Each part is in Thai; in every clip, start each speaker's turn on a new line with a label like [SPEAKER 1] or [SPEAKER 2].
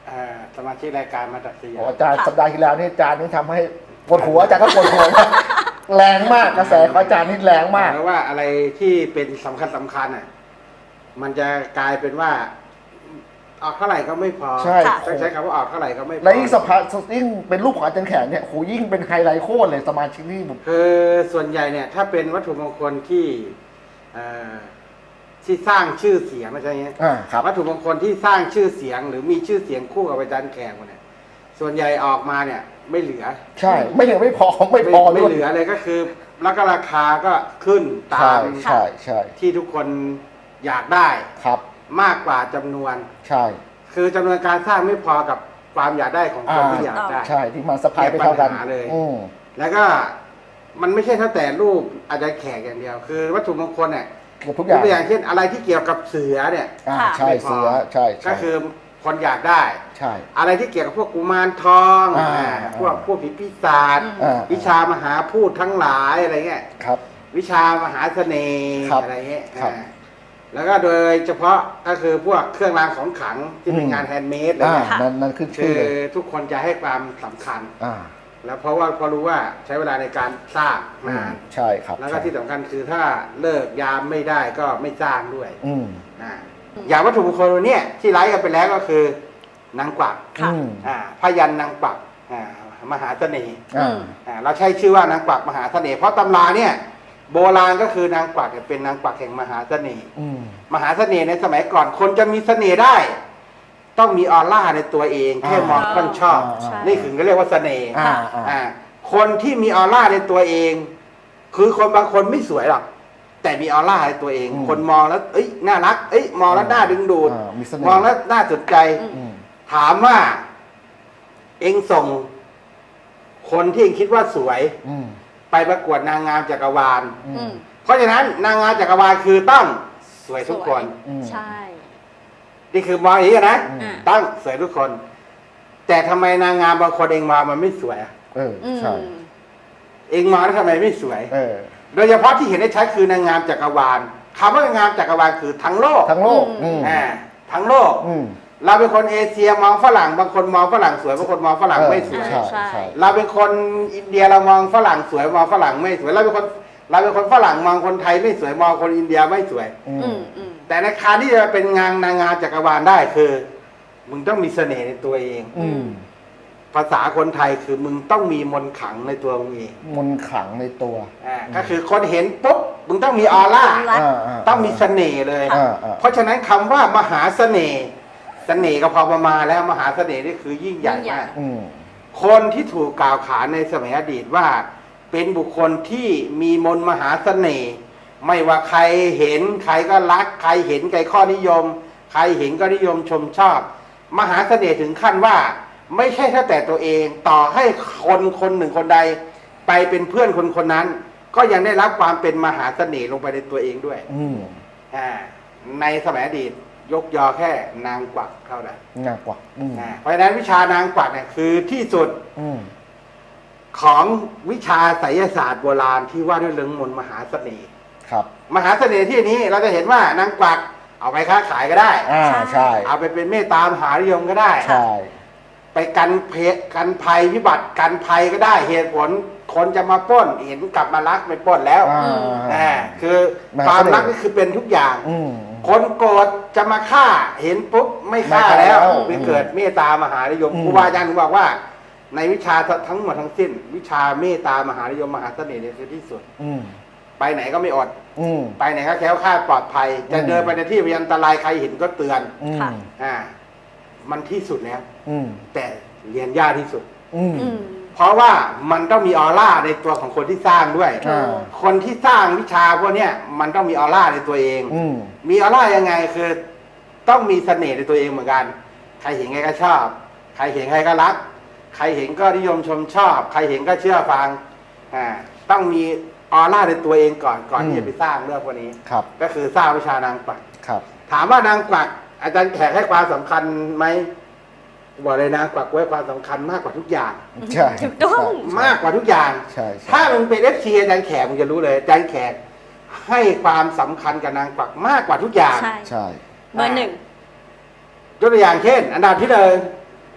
[SPEAKER 1] สมาชิกรายการมาจากสยาม
[SPEAKER 2] อาจารย์สัปดาห์ที่แล้วนี่อาจารย์นี่ทำให้ปวดหัวอาจารย์ก็ปวดหัวแรงมากกระแสของอาจารย์นี่แรงมาก
[SPEAKER 1] เพราะว่าอะไรที่เป็นสำคัญอ่ะมันจะกลายเป็นว่าออกเท่าไหร่ก็ไม่พอ
[SPEAKER 2] ใช่
[SPEAKER 1] ต้องใช้คำว่าออกเท่าไหร่ก็ไม่พอ
[SPEAKER 2] และยิ่งสภายิ่งเป็นรูปของอาจารย์แขกเนี่ยโหยิ่งเป็นไฮไลท์โคตรเลยสมาชิกนี่ผม
[SPEAKER 1] คือส่วนใหญ่เนี่ยถ้าเป็นวัตถุมงคลที่สร้างชื่อเสียงไม่ใช่เงี้ยวัตถุมงคลที่สร้างชื่อเสียงหรือมีชื่อเสียงคู่กับอาจารย์แขกเนี่ยส่วนใหญ่ออกมาเนี่ยไม่เหลือ
[SPEAKER 2] ใช่ไม่เหลือไม่พอไม่
[SPEAKER 1] เหลือเลยก็คือแล้วก็ราคาก็ขึ้นตาม
[SPEAKER 2] ใช่
[SPEAKER 1] ที่ทุกคนอยากได้
[SPEAKER 2] ครับ
[SPEAKER 1] มากกว่าจำนวน
[SPEAKER 2] ใช่
[SPEAKER 1] คือจำนวนการสร้างไม่พอกับความอยากได้ของคนที่อยากได้
[SPEAKER 2] ใช่ที่มาสะพายไปเท่ากัน
[SPEAKER 1] เลยแล้วก็มันไม่ใช่แค่แต่รูปอาจารย์แขกอย่างเดียวคือวัตถุมงคลเนี่ย
[SPEAKER 2] ทุกอย่าง
[SPEAKER 1] ตัวอย่างเช่นอะไรที่เกี่ยวกับเสือเนี่ย
[SPEAKER 2] ใช่เสือใช่
[SPEAKER 1] ก็คือคนอยากได้
[SPEAKER 2] ใช่
[SPEAKER 1] อะไรที่เกี่ยวกับพวกกุมารทองพวกผีปีศาจวิชามหาพูดทั้งหลายอะไรเงี้ย
[SPEAKER 2] ครับ
[SPEAKER 1] วิชามหาเสน่ห์อะไรเงี้ยแล้วก็โดยเฉพาะก็คือพวกเครื่องรางของขลังที่เป็นงานแฮนด์เมดอะไรเงี้ย
[SPEAKER 2] นั่นขึ้น
[SPEAKER 1] ชื่อทุกคนจะให้ความสำคัญแล้วเพราะว่าพอรู้ว่าใช้เวลาในการสร้างนาน
[SPEAKER 2] ใช่ครับ
[SPEAKER 1] แล้วก็ที่สำคัญคือถ้าเลิกยามไม่ได้ก็ไม่สร้างด้วยอย่างวัตถุมงคลตัวนี้ที่ไลฟ์กันไปแล้วก็คือนางกวักพยัญชนะนางกวักมหาเสน่ห์เราใช้ชื่อว่านางกวักมหาเสน่ห์เพราะตำราเนี่ยโบราณก็คือนางกวักเป็นนางกวักแห่งมหาเสน่ห์มหาเสน่ห์ในสมัยก่อนคนจะมีเสน่ห์ได้ต้องมีออร่าในตัวเองแค่มองก็ชอบนี่ถึงก็เรียกว่าเสน่ห์คนที่มีออร่าในตัวเองคือคนบางคนไม่สวยหรอกแต่มีออร่าในตัวเองคนมองแล้วน่ารักมองแล้วน่าดึงดูดมองแล้วน่าสนใจถามว่าเองส่งคนที่เองคิดว่าสวยไปประกวดนางงามจักรวาลเพราะฉะนั้นนางงามจักรวาลคือต้องสวยทุกคน
[SPEAKER 3] ใช่
[SPEAKER 1] นี่คือมองอย่างนี้นะต้องสวยทุกคน แต่ทำไมนางงามบางคนเองมองมันไม่สวย
[SPEAKER 2] ใช่
[SPEAKER 1] เองมองแล้วทำไมไม่สวยโดยเฉพาะที่เห็นได้ชัดคือนางงามจักรวาลคำว่านางงามจักรวาลคือทั้งโลก
[SPEAKER 2] ทั้งโลก
[SPEAKER 1] ทั้งโลกเราเป็นคนเอเชียมองฝรั่งบางคนมองฝรั่งสวยบางคนมองฝรั่งไม่สวยเราเป็นคนอินเดียเรามองฝรั่งสวยมองฝรั่งไม่สวยเราเป็นคนฝรั่งมองคนไทยไม่สวยมองคนอินเดียไม่สวยแต่ในการที่จะเป็นนางงามจักรวาลได้คือมึงต้องมีเสน่ห์ในตัวเองภาษาคนไทยคือมึงต้องมีมนต์ขลังในตัวมึงเอง
[SPEAKER 2] มนต์ขลังในตัว
[SPEAKER 1] ก็คือคนเห็นปุ๊บมึงต้องมีออร่าต้องมีเสน่ห์เลยเพราะฉะนั้นคำว่ามหาเสน่ห์เสน่ห์ก็พอประมาณแล้วมหาเสน่ห์นี่คือยิ่งใหญ่มากคนที่ถูกกล่าวขานในสมัยอดีตว่าเป็นบุคคลที่มีมนต์มหาเสน่ห์ไม่ว่าใครเห็นใครก็รักใครเห็นใครข้อนิยมใครเห็นก็นิยมชมชอบมหาเสน่ห์ถึงขั้นว่าไม่ใช่แค่แต่ตัวเองต่อให้คนหนึ่งคนใดไปเป็นเพื่อนคนนั้นก็ยังได้รับความเป็นมหาเสน่ห์ลงไปในตัวเองด้วยในสมัยอดีตยกยอแค่นางกวักเท่านั้น
[SPEAKER 2] นางกวัก
[SPEAKER 1] เพราะฉะนั้นวิชานางกวักเนี่ยคือที่สุดของวิชาไสยศาสตร์โบราณที่ว่าด้วยเรื่องมนต์มหาเสน่ห์
[SPEAKER 2] ครับ
[SPEAKER 1] มหาเสน่ห์ที่นี้เราจะเห็นว่านางกวักเอาไปค้าขายก็ได้
[SPEAKER 2] ใช่
[SPEAKER 1] เอาไปเป็นเมตตามหานิยมก็ได้
[SPEAKER 2] ใช่
[SPEAKER 1] ไปกันภัยวิบัติกันภัยก็ได้เหตุผลคนจะมาปล้นเห็นกลับมารักไม่ปล้นแล้วคือความรักนี่คือเป็นทุกอย่างคนโกรธจะมาฆ่าเห็นปุ๊บไม่ฆ่าแล้วไปเกิดเมตตามหานิยมครูบาอาจารย์บอกว่าในวิชาทั้งหมดทั้งสิ้นวิชาเมตตามหานิยมมหาเสน่ห์เนี่ยคือที่สุดไปไหนก็ไม่อดไปไหนก็แคล้วคลาดปลอดภัยจะเดินไปในที่อันตรายใครเห็นก็เตือนมันที่สุดแล้วแต่เรียนยากที่สุดเพราะว่ามันต้องมีออร่าในตัวของคนที่สร้างด้วยคนที่สร้างวิชาพวกนี้มันต้องมีออร่าในตัวเองมีออร่ายังไงคือต้องมีเสน่ห์ในตัวเองเหมือนกันใครเห็นใครก็ชอบใครเห็นใครก็รักใครเห็นก็นิยมชมชอบใครเห็นก็เชื่อฟังต้องมีออร่าในตัวเองก่อนที่จะไปสร้างเรื่องพวกนี้ก็คือสร้างวิชานางกวักถามว่านางกวักอาจารย์แขกให้ความสำคัญไหมบอกเลยนะกวักไว้ความสำคัญมากกว่าทุกอย่าง
[SPEAKER 2] ใช่
[SPEAKER 3] ถูกต้อง
[SPEAKER 1] มากกว่าทุกอย่างถ้ามึงเป็นFCอาจารย์แขกมึงจะรู้เลยอาจารย์แขกให้ความสำคัญกับนางกวักมากกว่าทุกอย่าง
[SPEAKER 2] ใช่
[SPEAKER 3] เบอร์หนึ่ง
[SPEAKER 1] ยกตัวอย่างเช่นอันดับที่หนึ่ง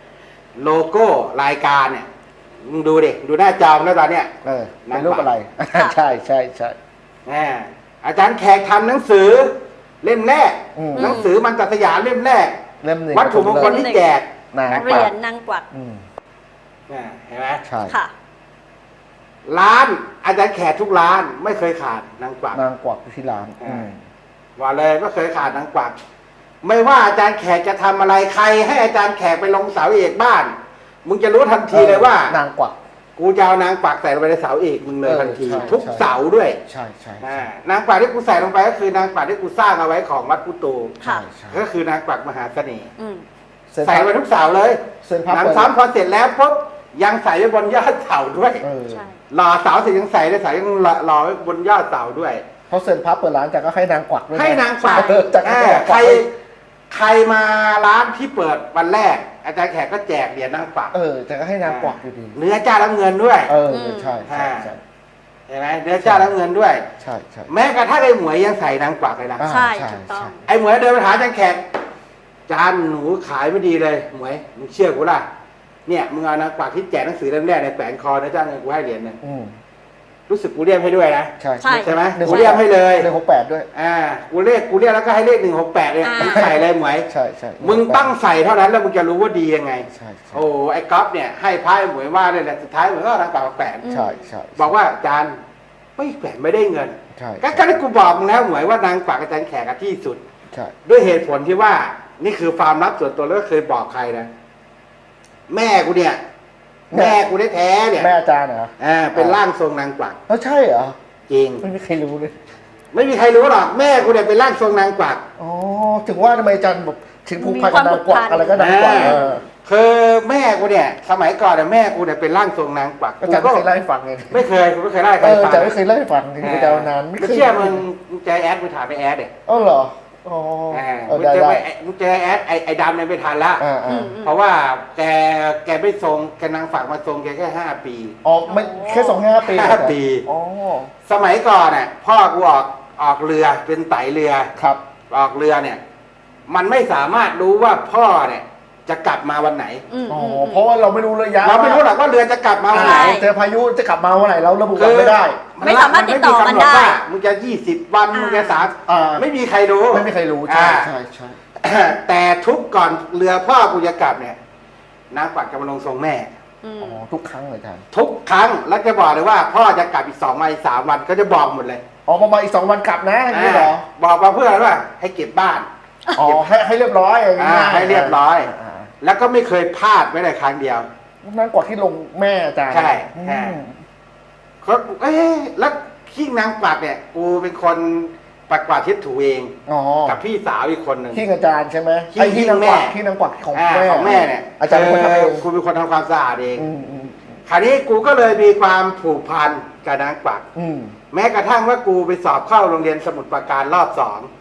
[SPEAKER 1] โลโก้รายการเนี่ยมึงดูดิดูหน้าจอแล้วตอนเนี้ย
[SPEAKER 2] เป็นรูปอะไร ใช่ใช่ใช่
[SPEAKER 1] อาจารย์แขกทำหนังสือเล่มแรกหนังสือมันตัดสยามเล่มแรก
[SPEAKER 2] เล่มหนึ่ง
[SPEAKER 1] วัตถุมงคลที่แจก
[SPEAKER 3] เหรียญนางกวัก
[SPEAKER 1] เห็นไหม
[SPEAKER 2] ใช่
[SPEAKER 3] ค่ะ
[SPEAKER 1] ร้านอาจารย์แขกทุกร้านไม่เคยขาดนางกวัก
[SPEAKER 2] นางกวักที่ร้าน
[SPEAKER 1] ว่าเลยไม่เคยขาดนางกวักไม่ว่าอาจารย์แขกจะทำอะไรใครให้อาจารย์แขกไปลงเสาเอกบ้านมึงจะรู้ทันทีเลยว่าน
[SPEAKER 2] างกวัก
[SPEAKER 1] กูจะเอานางกวักใส่ลงไปในเสาเอกมึงเลยทันที
[SPEAKER 2] ใช่
[SPEAKER 1] ทุก
[SPEAKER 2] ใช่
[SPEAKER 1] เสาด้วย
[SPEAKER 2] ใช่ใช่
[SPEAKER 1] นางกวักที่กูใส่ลงไปก็คือนางกวักที่กูสร้างเอาไว้ของวัดพุตู
[SPEAKER 3] ค่ะ
[SPEAKER 2] ใช่
[SPEAKER 1] ก็คือนางกวักมหาเสน่ห์
[SPEAKER 3] อืม
[SPEAKER 1] ใส่ไว้ทุกเสาเลย
[SPEAKER 2] เส้นพับ
[SPEAKER 1] หนังซ้ำพอเสร็จแล้วปุ๊บยังใส่ไว้บนยอดเสาด้วย
[SPEAKER 3] ใช่
[SPEAKER 1] หล่อเสาเสร็จยังใส่เลยใส่ยังหล่อไว้บนยอดเสาด้วย
[SPEAKER 2] เพราะเซ็นพับเปิดร้านจากก็ให้นางกวักด้วยะ
[SPEAKER 1] ให้นางกวัก
[SPEAKER 2] จาก
[SPEAKER 1] ใครใครมาร้านที่เปิดวันแรก อาจารย์แขกก็แจกเหรียญนางกวัก
[SPEAKER 2] จากก็ให้นางกวักอยู่ดี
[SPEAKER 1] เนื้อจ้ารับเงินด้วย
[SPEAKER 2] ใช่ใช่ใช่
[SPEAKER 1] เห็นไหมเนื้อจ้ารับเงินด้วย
[SPEAKER 2] ใช่ใช่
[SPEAKER 1] แม้กระทั่งไอ้หมวยยังใส่นางกวักเลยนะ
[SPEAKER 3] ใช่ถูกต้อง
[SPEAKER 1] ไอ้หมวยเดินไปหาอาจารย์แขกจานหนูขายไม่ดีเลยหมวยมึงเชื่อกูล่ะเนี่ยมึงเอานางกวักที่แจกหนังสือเล่มแรกในแฝงคอเนื้อจ้าเงินกูให้เหรียญหนึงรู้สึกกูเรียกให้ด้วยนะ
[SPEAKER 2] ใช่
[SPEAKER 1] ใช่ไหมกูเรียกให้เลย
[SPEAKER 2] 168ด้วย
[SPEAKER 1] กูเรียกแล้วก็ให้เลข168เนี่ยมึงใส่เลยหมวย
[SPEAKER 2] ใช่ใช่
[SPEAKER 1] มึงตั้งใส่เท่านั้นแล้วมึงจะรู้ว่าดียังไง
[SPEAKER 2] ใช่ใช่
[SPEAKER 1] โอ้ไอ้ก๊อฟเนี่ยให้พายหมวยว่าเลยแหละสุดท้ายหมวยก็นางกวักแฝง
[SPEAKER 2] ใช่ใช่
[SPEAKER 1] บอกว่าอาจารย์ไม่แฝงไม่ได้เงิน
[SPEAKER 2] ใช่
[SPEAKER 1] ก็ได้กูบอกมึงแล้วหมวยว่านางกวักอาจารย์แขกอะที่สุด
[SPEAKER 2] ใช่
[SPEAKER 1] ด้วยเหตุผลที่ว่านี่คือความลับส่วนตัวแล้วก็เคยบอกใครนะแม่กูเนี่ย แม่กูได้แท้ๆเนี่ย
[SPEAKER 2] แม่อาจารย์เหรอ
[SPEAKER 1] เป็นร่างทรงนางกวัก
[SPEAKER 2] ใช่เหรอ
[SPEAKER 1] จริง
[SPEAKER 2] ไม่มีใครรู้เลย
[SPEAKER 1] ไม่มีใครรู้หรอกแม่กูเนี่ยเป็นร่างทรงนางกวัก
[SPEAKER 2] อ๋อถึงว่าทำไมอาจารย์แบบถึงผูกพันกับนางกวักอะไรก็นางกวัก
[SPEAKER 1] คือแม่กูเนี่ย สมัยก่อนเนี่ยแม่กูเนี่ยเป็นร่างทรงนางกวัก
[SPEAKER 2] อาจารย์ไม่เคยเล่าให้ฟังไง
[SPEAKER 1] ไม่เคยกูไม่เคยเล่าให้ใครฟัง
[SPEAKER 2] อาจารย์ไม่เคยเล่าให้ฟังถึงอาจารย์นานไม่เคย
[SPEAKER 1] เชื่อมึงเจอแอดมึงถามไปแอดเด็
[SPEAKER 2] อ๋อเหรออ๋อ
[SPEAKER 1] มึง
[SPEAKER 2] ได้
[SPEAKER 1] เจอ
[SPEAKER 2] ได้
[SPEAKER 1] มึงเจอแอดไอ้ดำเนี่ยไม่ทันละ เพราะว่าแกไม่ทรงแกนางฝากมาทรงแกแค่5 ปี
[SPEAKER 2] อ๋อไม่แค่2-5 ปี
[SPEAKER 1] 5 ปี
[SPEAKER 2] อ๋อ
[SPEAKER 1] สมัยก่อนเนี่ยพ่อกูออกเรือเป็นไตเรือ
[SPEAKER 2] ครับ
[SPEAKER 1] ออกเรือเนี่ย มันไม่สามารถรู้ว่าพ่อเนี่ยจะกลับมาวันไหน
[SPEAKER 2] อ๋อเพราะว่าเราไม่รู้ระยะ
[SPEAKER 1] เราไม่รู้หรอกว่าเรือจะกลับมาวันไหน
[SPEAKER 2] เจอพายุจะกลับมาวันไหนเราระบุวันไม่ได้
[SPEAKER 3] ไม่สามารถติดต่อกันได้
[SPEAKER 1] มึงจะ20 วันมึงจะไม่มีใครรู้
[SPEAKER 2] ไม่มีใครรู้ใช่ใช่ใช่
[SPEAKER 1] แต่ทุกก่อนเรือพ่อกูจะกลับเนี่ยนางกวักจะมาลงทรงแม่
[SPEAKER 2] อ๋อทุกครั้งเลยท่าน
[SPEAKER 1] ทุกครั้งแล้วจะบอกเลยว่า พ่อจะกลับอีก2 วันอีก3 วันก็จะบอกหมดเลย
[SPEAKER 2] อ๋อประมาณอีก2 วันกลับนะอย่างนี้เหรอ
[SPEAKER 1] บอกมาเพื่ออะไรว่าให้เก็บบ้าน
[SPEAKER 2] อ๋อให้เรียบร้อยอย่างนี้
[SPEAKER 1] ให้เรียบร้อย แล้วก็ไม่เคยพลาดไม่ได้ครั้งเดียว
[SPEAKER 2] นั่นกว่าที่ลงแม่อาจารย์
[SPEAKER 1] ใช่เขาแล้วขี้นางกวักเนี่ยกูเป็นคนปัดกวาดเช็ดถูเอง
[SPEAKER 2] อ๋อ
[SPEAKER 1] กับพี่สาวอีกคนหนึ่ง
[SPEAKER 2] ที่อาจารย์ใช่ไหม
[SPEAKER 1] ขี้
[SPEAKER 2] ไอ้ที่นางกวัก
[SPEAKER 1] แม่
[SPEAKER 2] ที่นางกวักของ
[SPEAKER 1] ของแม่เนี่ย
[SPEAKER 2] อาจารย์เป็นคนทำเอง
[SPEAKER 1] กูเป็นคนทำความสะอาดเองคราวนี้กูก็เลยมีความผูกพันกับนางกวักแม้กระทั่งว่ากูไปสอบเข้าโรงเรียนสมุทรปราการรอบ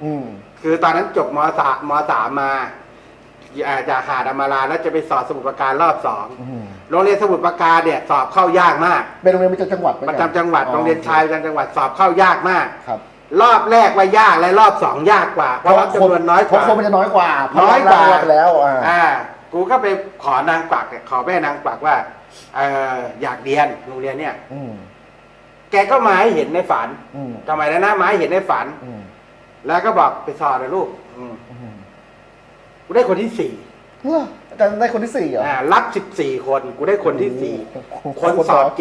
[SPEAKER 1] 2คือตอนนั้นจบม.3 มาจากหาดอมาราแล้วจะไปสอบสมุทรปราการรอบ2โรงเรียนสมุทรปราการเนี่ยสอบเข้ายากมาก
[SPEAKER 2] เป็นโรงเรียนประจำจังหวัด
[SPEAKER 1] ประจำจังหวัดโรงเรียนชายประจำจังหวัดสอบเข้ายากมาก
[SPEAKER 2] ครับ
[SPEAKER 1] รอบแรกว่ายากและรอบ2ยากกว่าเพราะว่าจำนวนน้อยก
[SPEAKER 2] เพราะ
[SPEAKER 1] ว่า
[SPEAKER 2] คนมันจะน้อยกว่า
[SPEAKER 1] น้อยกว่า
[SPEAKER 2] ไปแล้ว
[SPEAKER 1] กูก็ไปขอนางกวักเนี่ยขอแม่นางกวักว่าอยากเรียนโรงเรียนเนี่ยแกก็มาให้เห็นในฝันทำไมนะมาให้เห็นในฝันแล้วก็บอกไปสอบเลยลูกกูได้คนที่
[SPEAKER 2] อาจารย์ได้คนที่4เหรอ
[SPEAKER 1] 4รับ14 คนกูได้คนที่4คนสอบ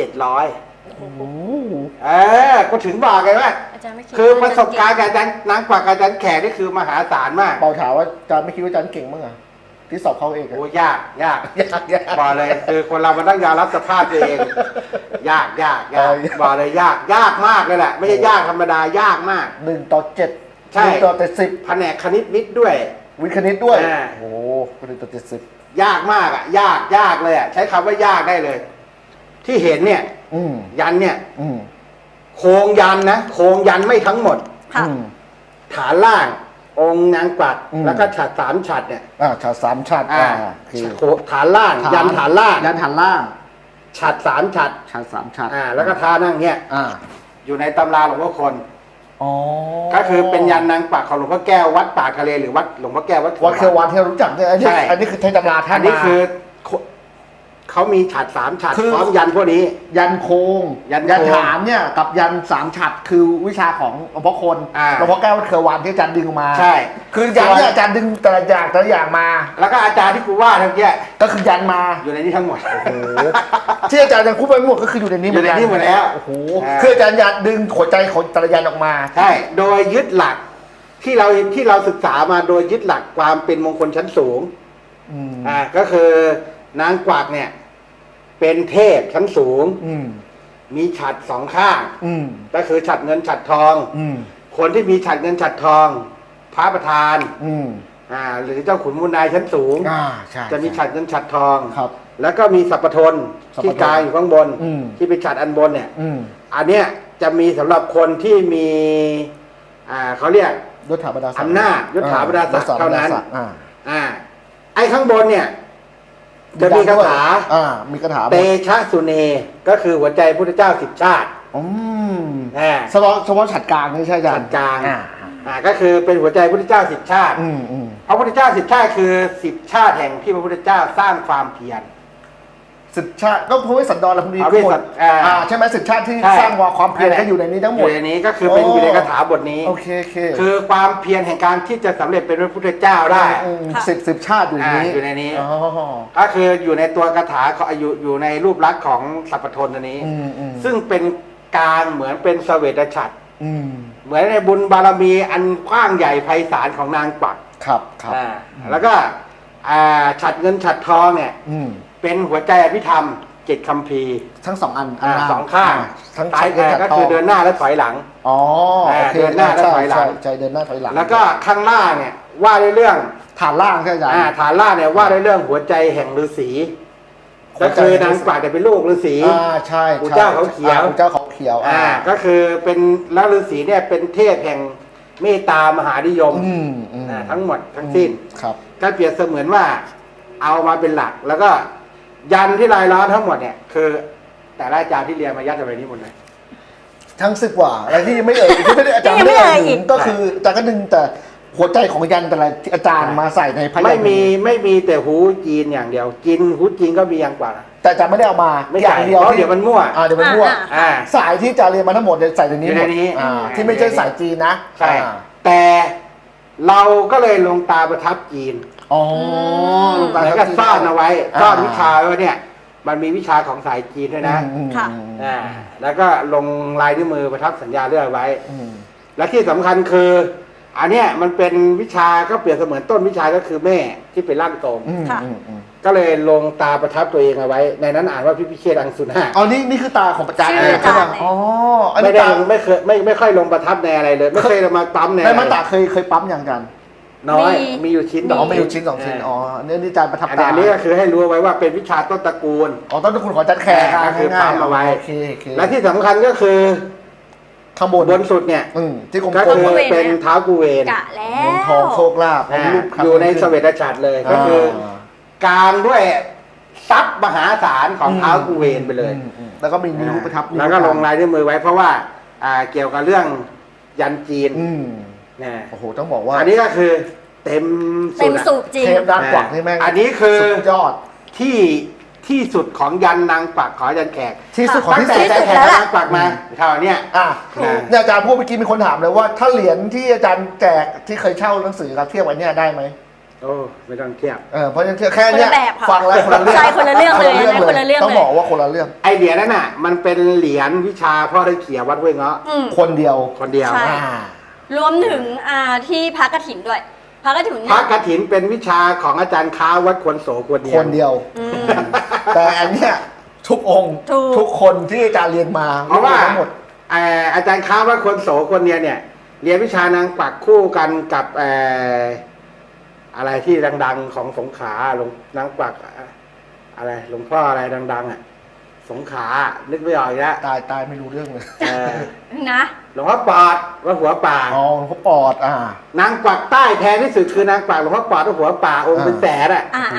[SPEAKER 1] 700ก็ถึงบอกไงว่า
[SPEAKER 3] อาจารย์ไม่คิด
[SPEAKER 1] คือประสบการณ์กับอาจารย์นางกวักกับอาจารย์แขกนี่คือมหาศาลมาก
[SPEAKER 2] เปาถามว่าอาจารย์ไม่คิดว่าอาจารย์เก่งมั้งอ่ะที่สอบเข้าเองอะ
[SPEAKER 1] โอ้ยาก
[SPEAKER 2] ยาก
[SPEAKER 1] บอกเลยคือคนเรามันต้องยอมรับสภาพตัวเอง ยากบอกเลยยากมากเลยแหละไม่ใช่ยากธรรมดายากมาก
[SPEAKER 2] 1:7
[SPEAKER 1] ใช่
[SPEAKER 2] 1:70
[SPEAKER 1] แผนกคณิตวิทย์ด้วย
[SPEAKER 2] วิทย์คณิตด้วย
[SPEAKER 1] โอ้
[SPEAKER 2] โอ้1:70
[SPEAKER 1] ยากมากอ่ะยากเลยอ่ะใช้คำว่ายากได้เลย ที่เห็นเนี่ยยันเนี่ยโครงยันนะโครงยันไม่ทั้งหมดฐานล่างองค์นางกวักแล้วก็ฉัตร3 ฉัตรเนี่ย
[SPEAKER 2] ฉัตร3 ฉัตร
[SPEAKER 1] คือฐานล่างยันฐานล่าง
[SPEAKER 2] ยันฐานล่าง
[SPEAKER 1] ฉัตร3 ฉัตร
[SPEAKER 2] ฉัตร3 ฉัตร
[SPEAKER 1] แล้วก็ท่านั่งเนี่ยอยู่ในตำราหลวงพ่อคนก็คือเป็นยันนางกวักของหลวงพ่อแก้ววัดป่าทะเลหรือวัดหลวงพ่อแก้ววัด
[SPEAKER 2] เทวันที่เรารู้จักเนี่ยอันนี้คือในตำราท่าน
[SPEAKER 1] อันนี้คือเขามีฉัตร3 ฉัตร
[SPEAKER 2] คือ
[SPEAKER 1] พร้อมยันพวกนี้
[SPEAKER 2] ยันโคง
[SPEAKER 1] ยันโคง
[SPEAKER 2] ยันฐานเนี่ยกับยัน3 ฉัตรคือวิชาของหลวงพ่อคน
[SPEAKER 1] อ่า
[SPEAKER 2] หลวงพ่อแก้ววัดเครือวันที่อาจารย์ดึงมา
[SPEAKER 1] ใช่
[SPEAKER 2] คือยันเนี่ยอาจารย์ดึงแต่ละอย่างมา
[SPEAKER 1] แล้วก็อาจารย์ที่กูว่าทั้งเนี้ย
[SPEAKER 2] ก็คือยันมา
[SPEAKER 1] อยู่ในนี้ทั้งหมด
[SPEAKER 2] โอ้โหที่อาจารย์ยังพูดไปหมดก็คืออยู่ในนี้
[SPEAKER 1] อยู่ในนี้หมดแล้ว
[SPEAKER 2] โอ้โห
[SPEAKER 1] อ่า
[SPEAKER 2] คืออาจารย์ยันดึงหัวใจของแต่ละยันออกมา
[SPEAKER 1] ใช่ โดยยึดหลักที่เราศึกษามาโดยยึดหลักความเป็นมงคลชั้นสูง
[SPEAKER 2] อืม
[SPEAKER 1] ก็คือนางกวักเนี่ย เป็นเทพชั้นสูง
[SPEAKER 2] อืม
[SPEAKER 1] มีฉัตร2 ข้าง
[SPEAKER 2] อืม
[SPEAKER 1] ก็คือฉัตรเงินฉัตรทอง
[SPEAKER 2] อืม
[SPEAKER 1] คนที่มีฉัตรเงินฉัตรทอง พระประธาน
[SPEAKER 2] อืม
[SPEAKER 1] หรือเจ้าขุนมูลนายชั้นสูง
[SPEAKER 2] ใช่
[SPEAKER 1] จะมีฉัตรเงินฉัตรทอง
[SPEAKER 2] ครับ
[SPEAKER 1] แล้วก็มีสัพพทน
[SPEAKER 2] สัพพทน
[SPEAKER 1] ที่กลางอยู่ข้างบน
[SPEAKER 2] อืม
[SPEAKER 1] ที่เป็นฉัตรอันบนเนี่ย
[SPEAKER 2] อืม
[SPEAKER 1] อันเนี้ยจะมีสำหรับคนที่มีเขาเรียก
[SPEAKER 2] ยศถาบรรดาศักดิ์
[SPEAKER 1] อำนาจยศถาบรรดาศักดิ์เท่านั้น ไอ้ข้างบนเนี่ย จะมีคาถา
[SPEAKER 2] มีคาถา
[SPEAKER 1] เตชะสุเน ก็คือหัวใจพุทธเจ้า10 ชาติ
[SPEAKER 2] อืม
[SPEAKER 1] อ่า
[SPEAKER 2] เฉพาะฉัตรกลางนี่ใช่อาจาร
[SPEAKER 1] ฉั
[SPEAKER 2] ย์
[SPEAKER 1] ตรกลาง
[SPEAKER 2] อ่า
[SPEAKER 1] ก็คือเป็นหัวใจพุทธเจ้า10 ชาติ
[SPEAKER 2] อืมอืม
[SPEAKER 1] พระพุทธเจ้า10 ชาติคือ10 ชาติแห่งที่พระพุทธเจ้าสร้างความเพียร
[SPEAKER 2] 10 ชาติก็พระเวสสันดรและพวกนี้
[SPEAKER 1] พระเวสสัน
[SPEAKER 2] ใช่ไหม10 ชาติที่
[SPEAKER 1] ใช่
[SPEAKER 2] สร้างความเพียรก็อยู่ในนี้ทั้งหม
[SPEAKER 1] อ
[SPEAKER 2] ด
[SPEAKER 1] ยู่ในนี้ก็คือเป็น
[SPEAKER 2] โอ้
[SPEAKER 1] อยู่ในคาถาบทนี้
[SPEAKER 2] โอเค
[SPEAKER 1] คือความเพียรแห่งการที่จะสำเร็จเป็นพระพุทธเจ้าได้
[SPEAKER 2] สิบชาติอยู่ในนี้
[SPEAKER 1] อยู่ในนี้
[SPEAKER 2] อ๋อ
[SPEAKER 1] ก็คืออยู่ในตัวคาถาเขาอยู่ในรูปลักษณ์ของสัพพทนอันนี้
[SPEAKER 2] อืม
[SPEAKER 1] ซึ่งเป็นกลางเหมือนเป็นเสวตฉัตร
[SPEAKER 2] อืม
[SPEAKER 1] เหมือนในบุญบารมีอันกว้างใหญ่ไพศาลของนางกวัก
[SPEAKER 2] ครับ
[SPEAKER 1] แล้วก็ฉัตรเงินฉัตรทองเนี่ย
[SPEAKER 2] อืม
[SPEAKER 1] เป็นหัวใจอภิธรรม7 คัมภีร์
[SPEAKER 2] ทั้ง2 อัน
[SPEAKER 1] 2 ข้าง
[SPEAKER 2] ทั้ง
[SPEAKER 1] ซ้าย
[SPEAKER 2] ใช้
[SPEAKER 1] ก็คือเดินหน้าและถอยหลัง
[SPEAKER 2] อ๋อโอเค
[SPEAKER 1] เดินหน้าและถอยหลัง
[SPEAKER 2] ใช่เดินหน้าถอยหลัง
[SPEAKER 1] แล้วก็ข้างล่างเนี่ยว่าด้วยเรื่อง
[SPEAKER 2] ฐานล่างใช่อาจารย์
[SPEAKER 1] ฐานล่างเนี่ยว่าด้วยเรื่องหัวใจแห่งฤาษีก็คือนางกวักเนี่ยเป็นลูกฤาษี
[SPEAKER 2] ใช่
[SPEAKER 1] ปู่เจ้าเขาเขียว
[SPEAKER 2] ปู่เจ้าเขาเขียว
[SPEAKER 1] ก็คือเป็นแล้วฤาษีเนี่ยเป็นเทพแห่งเมตตามหานิยม ทั้งหมดทั้งสิ้น
[SPEAKER 2] ครับ
[SPEAKER 1] ก็เปรียบเสมือนว่าเอามาเป็นหลัก แล้วก็ยันที่รายล้อมทั้งหมดเนี่ยคือ แต่ละอาจารย์ที่เรียนมายัดเอาไว้นี้หมดเลย
[SPEAKER 2] ทั้ง10 กว่าอะไรที่ยังไม่เอ่ยที่ไม่ได้อาจารย์ไม่ได้เอ่ยถึงก็คืออาจารย์ก็ดึงแต่หัวใจของยันแต่ละอาจารย์มาใส่ในพยัญชนะ
[SPEAKER 1] ไม่มีแต่หูจีนอย่างเดียวจีนหูจีนก็มีอย่างกว่า
[SPEAKER 2] แต่อาจารย์ไม่ได้เอามา
[SPEAKER 1] ไม่
[SPEAKER 2] อ
[SPEAKER 1] ใช่
[SPEAKER 2] ย่างเดียว
[SPEAKER 1] เพราะเดี๋ยวมันมั่ว
[SPEAKER 2] เดี๋ยวมันมั่ว สายที่อาจารย์เรียนมาทั้งหมดเนี่ยใส่ในนี้
[SPEAKER 1] อยู่
[SPEAKER 2] หม
[SPEAKER 1] ใน
[SPEAKER 2] ด
[SPEAKER 1] นี้
[SPEAKER 2] ที่ไม่ใช่สายจีนนะ
[SPEAKER 1] ใช่แต่เราก็เลยลงตาประทับจีน
[SPEAKER 2] อ๋อลง
[SPEAKER 1] เหมือนกับซ่อนเอาไว้ซ่อนวิชาไว้เนี่ย มันมีวิชาของสายจีนด้วยนะ
[SPEAKER 3] ค่ะ
[SPEAKER 1] แล้วก็ลงลายนิ้วมือประทับสัญญาเรื่อยไว้ และที่สำคัญคือ อันเนี้ยมันเป็นวิชาก็เปรียบเสมือนต้นวิชาก็คือแม่ที่เป็นร่างทรงก็เลยลงตาประทับตัวเองเอาไว้ ในนั้นอ่านว่าพิพิเชษอังสุนา
[SPEAKER 2] อ๋อนี่คือตาของอาจารย์
[SPEAKER 3] ชื่ออาจารย์
[SPEAKER 2] ใช่ป่ะอ๋ออัน
[SPEAKER 1] ไม่
[SPEAKER 2] นี้
[SPEAKER 1] ได้
[SPEAKER 2] ตา
[SPEAKER 1] ไม่ค่อยลงประทับในอะไรเลย ไม่เคยมาปั๊มใน
[SPEAKER 2] ในมันตาเคยปั๊มอย่างกัน
[SPEAKER 1] น้อยมีอยู่ชิ้น
[SPEAKER 2] อ๋อไม่อยู่ชิ้น2 ชิ้นอ๋อเนี่ยนี่อาจารย์ประทับ
[SPEAKER 1] อั
[SPEAKER 2] ตา
[SPEAKER 1] นนี้ก็คือให้รู้ไว้ว่าเป็นวิชาต้นตระกูล
[SPEAKER 2] อ๋อต้นตระกูลของอาจารย์แขก
[SPEAKER 1] ก็คือปั๊มเอาไว้
[SPEAKER 2] โอเค
[SPEAKER 1] และที่สำคัญก็คือ
[SPEAKER 2] ข้างบน
[SPEAKER 1] บนสุดเนี่ย
[SPEAKER 2] ที่กลม
[SPEAKER 1] ก็
[SPEAKER 2] ๆ
[SPEAKER 1] คือเป็นเท้ากูเวน
[SPEAKER 3] กะแล้
[SPEAKER 2] เงิน
[SPEAKER 3] ว
[SPEAKER 2] ทองโชคลาภรูป
[SPEAKER 1] อยู่ในเสวตฉัตรเลยก็คือ กลางด้วยทรัพย์มหาศาลของเท้ากูเวนไปเลย
[SPEAKER 2] แล้วก็มีนิ้วประทับ
[SPEAKER 1] แล้วก็ลงลายด้วยมือไว้เพราะว่าเกี่ยวกับเรื่องยันจีนนะ
[SPEAKER 2] โอ้โหต้องบอกว่า
[SPEAKER 1] อันนี้ก็คือเต็ม
[SPEAKER 3] เต็มสูบจริง
[SPEAKER 2] เทปด้านกวักนี่แม่ง
[SPEAKER 1] อันนี้คือ
[SPEAKER 2] สุดยอด
[SPEAKER 1] ที่สุดของยันนางกวักของยันแขก
[SPEAKER 2] ที่สุดของ
[SPEAKER 1] ตั้ง
[SPEAKER 2] ที่
[SPEAKER 1] แต่
[SPEAKER 2] สุด
[SPEAKER 1] ใจแขกนางกวักมาเท่านี้
[SPEAKER 2] เนี่ยอาจารย์พูดเมื่อกี้มีคนถามเลยว่าถ้าเหรียญที่อาจารย์แจกที่เคยเช่าหนังสือครับเทียบกันเนี่ยได้ไหม
[SPEAKER 1] โอ้ไม่ต้องเทียบ
[SPEAKER 2] เพราะฉะนั้นแค่เนี้ย
[SPEAKER 3] คนละแบบค่ะ
[SPEAKER 2] ฟังแล้วคนละเรื่อง
[SPEAKER 3] ใช่คนละเรื่องเลยนะคนละเรื่องเลย
[SPEAKER 2] ต้องบอกว่าคนละเรื่อง
[SPEAKER 1] ไอเหรียญนั่นน่ะมันเป็นเหรียญวิชาพ่อได้เขียวัดห้วยเงาะ
[SPEAKER 2] คนเดียว
[SPEAKER 1] คนเดียว
[SPEAKER 3] ใช่ รวมถึงที่พระกฐินด้วยพระกฐิน
[SPEAKER 1] พระกฐินเป็นวิชาของอาจารย์ค้าวัดควรโสควรเดียว
[SPEAKER 2] คนเดียว แต่อันเนี้ยทุกองค์ทุกคนที่อาจารย์เรียนมา
[SPEAKER 1] เพราะว่า
[SPEAKER 2] ทั้งหมด
[SPEAKER 1] อาจารย์ค้าวัดควรโสควรเดียวเนี่ยเรียนวิชานางกวักคู่กันกับอะไรที่ดังๆของสงขลาหลวงนางกวักอะไรหลวงพ่ออะไรดังๆสงขลานึกไม่ออกอีกแล้ว
[SPEAKER 2] ตายไม่รู้เรื่องเลย
[SPEAKER 3] นะ
[SPEAKER 1] หลวงพ่อปอดวัดหัวป่า
[SPEAKER 2] อ๋อเขาปอด
[SPEAKER 1] นางกวักใต้แพงที่สุดคือนางกวักหลวงพ่อปอดวัดหัวป่าองค์เป็นแสน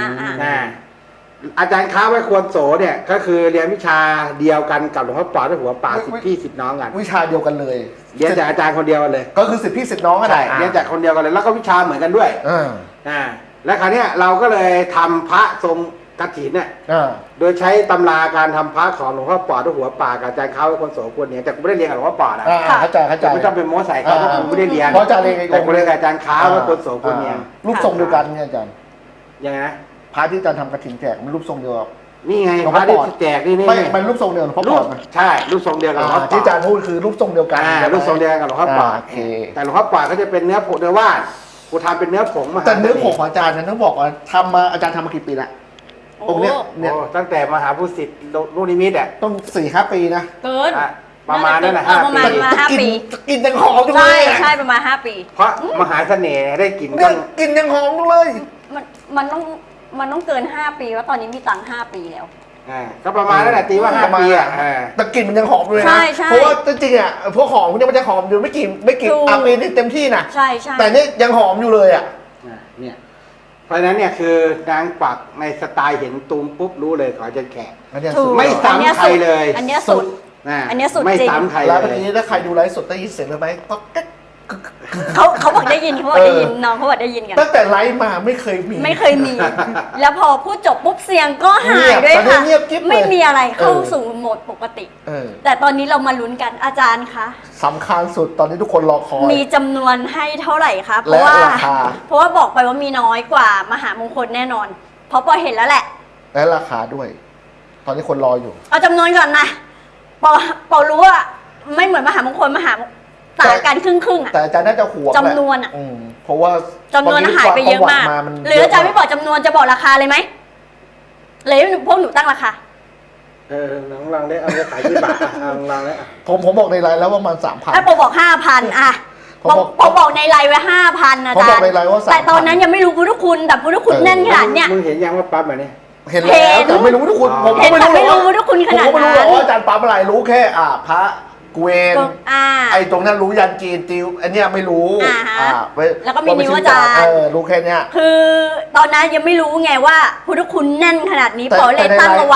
[SPEAKER 1] อาจารย์ค้าไว้ควรโสเนี่ยก็คือเรียนวิชาเดียวกันกับหลวงพ่อปอดวัดหัวป่า10 พี่ 10 น้องกัน
[SPEAKER 2] วิชาเดียวกันเลย
[SPEAKER 1] เรียนจากอาจารย์คนเดียวกันเลย
[SPEAKER 2] ก็คือ10 พี่ 10 น้องกัน
[SPEAKER 1] ใช่เรียนจากคนเดียวกันเลยแล้วก็วิชาเหมือนกันด้วยแล้วคราวนี้เราก็เลยทำพระทรงกฐินเนี่ย
[SPEAKER 2] อ่า
[SPEAKER 1] โดยใช้ตำราการทำพระของหลวงพ่อปอดด้วยหัวป่ากับอาจารย์เขาคนโสควรเนี่ยแต่กูไม่ได้เรียนกับหลวงพ่อปอดนะ
[SPEAKER 2] เข้าใจเข้าใจ
[SPEAKER 1] แต่ไม่ต้องเป็นโม้ใส่เขาเพราะกูไม่ได้เรียน
[SPEAKER 2] เพราะอาจารย์เรียน
[SPEAKER 1] แต่กูเรียนกับอาจารย์ค้าว่าคนโสควรเนี่ย
[SPEAKER 2] รูปทรงเดียวกันเนี่ยอาจารย์
[SPEAKER 1] ยังไงนะ
[SPEAKER 2] พระที่อาจารย์ทำกฐินแจกมันรูปทรงเดียวกับ
[SPEAKER 1] นี่ไง
[SPEAKER 2] หลวง
[SPEAKER 1] พ
[SPEAKER 2] พ่อ
[SPEAKER 1] ระที่
[SPEAKER 2] ปอด
[SPEAKER 1] แจกนี่
[SPEAKER 2] ไม่มันรูปทรงเดียวหลวงพ่อ
[SPEAKER 1] รู
[SPEAKER 2] ปอ
[SPEAKER 1] ป
[SPEAKER 2] ดไหม
[SPEAKER 1] ใช่รูปทรงเดียวกับหลวงพ่อปอด
[SPEAKER 2] ที่อาจารย์พูดคือรูปทรงเดียวกัน
[SPEAKER 1] รูปทรงเดียวกับหลวงพ่อปอด
[SPEAKER 2] โอเค
[SPEAKER 1] แต่หลวงพ่อปอดเขาจะเป็นเนื้อผงเนื้อว่านกูทำเป็นเนื้อผงมา
[SPEAKER 2] แต่เนื้อผงของอาจารย์นั้นต้องบอกว่าทำมาอาจารย์ทำมากี่ปีละ
[SPEAKER 3] โอ้
[SPEAKER 2] องค์เนี้ยเนี่ย
[SPEAKER 1] โอ้ตั้งแต่มหาภูสิทธิ์ลูกนิมิตอ่ะ
[SPEAKER 2] ต้อง4-5 ปีนะ
[SPEAKER 3] เกิน
[SPEAKER 1] อ่ะประมาณนั้นนะ
[SPEAKER 3] เออประมาณ
[SPEAKER 1] 5 ปี
[SPEAKER 3] มา 5 ปี
[SPEAKER 2] กินยังหอมจังเล
[SPEAKER 3] ใช่
[SPEAKER 2] ยอะ
[SPEAKER 3] ใช่ประมาณ 5 ปี
[SPEAKER 1] เพราะมหาเสน่ห์ได้กลิ่น
[SPEAKER 2] เนี่
[SPEAKER 1] ต้
[SPEAKER 2] ย
[SPEAKER 1] น
[SPEAKER 2] กินยังหอมจังเลย
[SPEAKER 3] มันต้องมันต้องเกิน 5 ปีว่าะตอนนี้มีตังค์5 ปีแล้ว
[SPEAKER 1] ก็ประมาณนั้นแหละตีว่า 5 ปีอ่ะ
[SPEAKER 2] แต่กลิ่นมันยังหอมอยู่เลย
[SPEAKER 3] ใช่
[SPEAKER 2] นะ
[SPEAKER 3] ใช่
[SPEAKER 2] เพราะว่าจริงๆอ่ะพวกหอมเนี่ยมันจะหอมอยู่ไม่กี่
[SPEAKER 3] ถูก
[SPEAKER 2] ปีนี่เต็มที่นะ
[SPEAKER 3] ใช่ใช่
[SPEAKER 2] แต่นี่ยังหอมอยู่เลยอ่ะ
[SPEAKER 1] เนี่ยเพราะฉะนั้นเนี่ยคือนางปักในสไตล์เห็นตูมปุ๊บรู้เลยขอจะแขก
[SPEAKER 2] อันเนี้ย
[SPEAKER 3] ถู
[SPEAKER 2] สุ
[SPEAKER 3] ก
[SPEAKER 2] ด
[SPEAKER 1] ไม่ซ้ำใครเลย
[SPEAKER 3] อันเนี้ยสุด
[SPEAKER 1] นะ
[SPEAKER 3] อันเนี้ยสุด
[SPEAKER 1] ไม่
[SPEAKER 3] จริง
[SPEAKER 1] ซ้ำใคร
[SPEAKER 2] แล้ว
[SPEAKER 1] เล
[SPEAKER 2] เมื่อย กี้ถ้าใครดูไลฟ์สดได้ยินเสียงเลยไหมก็แก๊ก
[SPEAKER 3] เขาบอกได้ยินเขาบอกได้ยินน้องเขาบอกได้ยินกัน
[SPEAKER 2] ตั้งแต่ไลฟ์มาไม่เคยมี
[SPEAKER 3] ไม่เคยมี แล้วพอพูดจบปุ๊บเสียงก็หายด้วย
[SPEAKER 2] เงียบตอนนี้
[SPEAKER 3] ค่ะ
[SPEAKER 2] เงียบกิ๊บเลย
[SPEAKER 3] ไม่มีอะไรเข้าสู่โหมดปกติ
[SPEAKER 2] เออ
[SPEAKER 3] แต่ตอนนี้เรามาลุ้นกันอาจารย์คะ
[SPEAKER 2] สำคัญสุดตอนนี้ทุกคนรอคอย
[SPEAKER 3] มีจำนวนให้เท่าไหร่คะเพ
[SPEAKER 2] และ
[SPEAKER 3] ราะว่า
[SPEAKER 2] ราคา
[SPEAKER 3] เพราะว่าบอกไปว่ามีน้อยกว่ามหามงคลแน่นอน เพราะปอเห็นแล้วแหละ
[SPEAKER 2] และราคาด้วย ตอนนี้คนรออยู่
[SPEAKER 3] เอาจำนวนก่อนนะปอรู้ว่าไม่เหมือนมหามงคลต่างกันครึ่งๆอ่ะ
[SPEAKER 2] แต่อาจารย์น่าจะห่วงแหละ
[SPEAKER 3] จำนวนอะ
[SPEAKER 2] เพราะว่า
[SPEAKER 3] จำนวนหายไปเยอะมาก
[SPEAKER 2] ประวัติน
[SPEAKER 3] หรืออาจารย์ไม่บอกจำนวนจะบอกราคาเลยไหมเลยให้พวกหนูตั้งราคา
[SPEAKER 1] น้องลองได้เอาจะขายกี่บาทลองได้
[SPEAKER 2] ผมบอกในไลน์แล้วว่ามัน3,000
[SPEAKER 3] ถ้าปอบอก 5,000อะ
[SPEAKER 2] ผมบอก
[SPEAKER 3] ปอบอกในไลน์ไว้ 5,000อา
[SPEAKER 2] ผม
[SPEAKER 3] จา
[SPEAKER 2] บ
[SPEAKER 3] ร
[SPEAKER 2] อก
[SPEAKER 3] ย์
[SPEAKER 2] ในไลน์ว่า3,000
[SPEAKER 3] แต่ตอนนั้นยังไม่รู้พุทธคุณแต่พุทธคุณแน่นขนาดเนี้ย
[SPEAKER 1] มึงเห็นยังว่าปั๊บแบบนี้
[SPEAKER 2] เห็นแล้วแต่ไม่รู้ทุกคนผม
[SPEAKER 3] เห็
[SPEAKER 2] ก็
[SPEAKER 3] นแต่ไม่รู้ทุกคนขนาดนั้น
[SPEAKER 2] ผมก็ไม่รู้หรอกว่าอาจารย์ปั๊มอะไรรู้แค่พระเกวน
[SPEAKER 3] อ่า
[SPEAKER 2] ไอ้ตรงนั้นรู้ยันจีนติวอันเนี้ยไม่รู้
[SPEAKER 3] อ่าฮะ
[SPEAKER 2] ไ
[SPEAKER 3] แล้วก็มีนิ้วอาจารย์
[SPEAKER 2] รู้แค่เนี้ย
[SPEAKER 3] คือตอนนั้นยังไม่รู้ไงว่าพุทธคุณแน่นขนาดนี้ปอเลยตั้งเอาไว้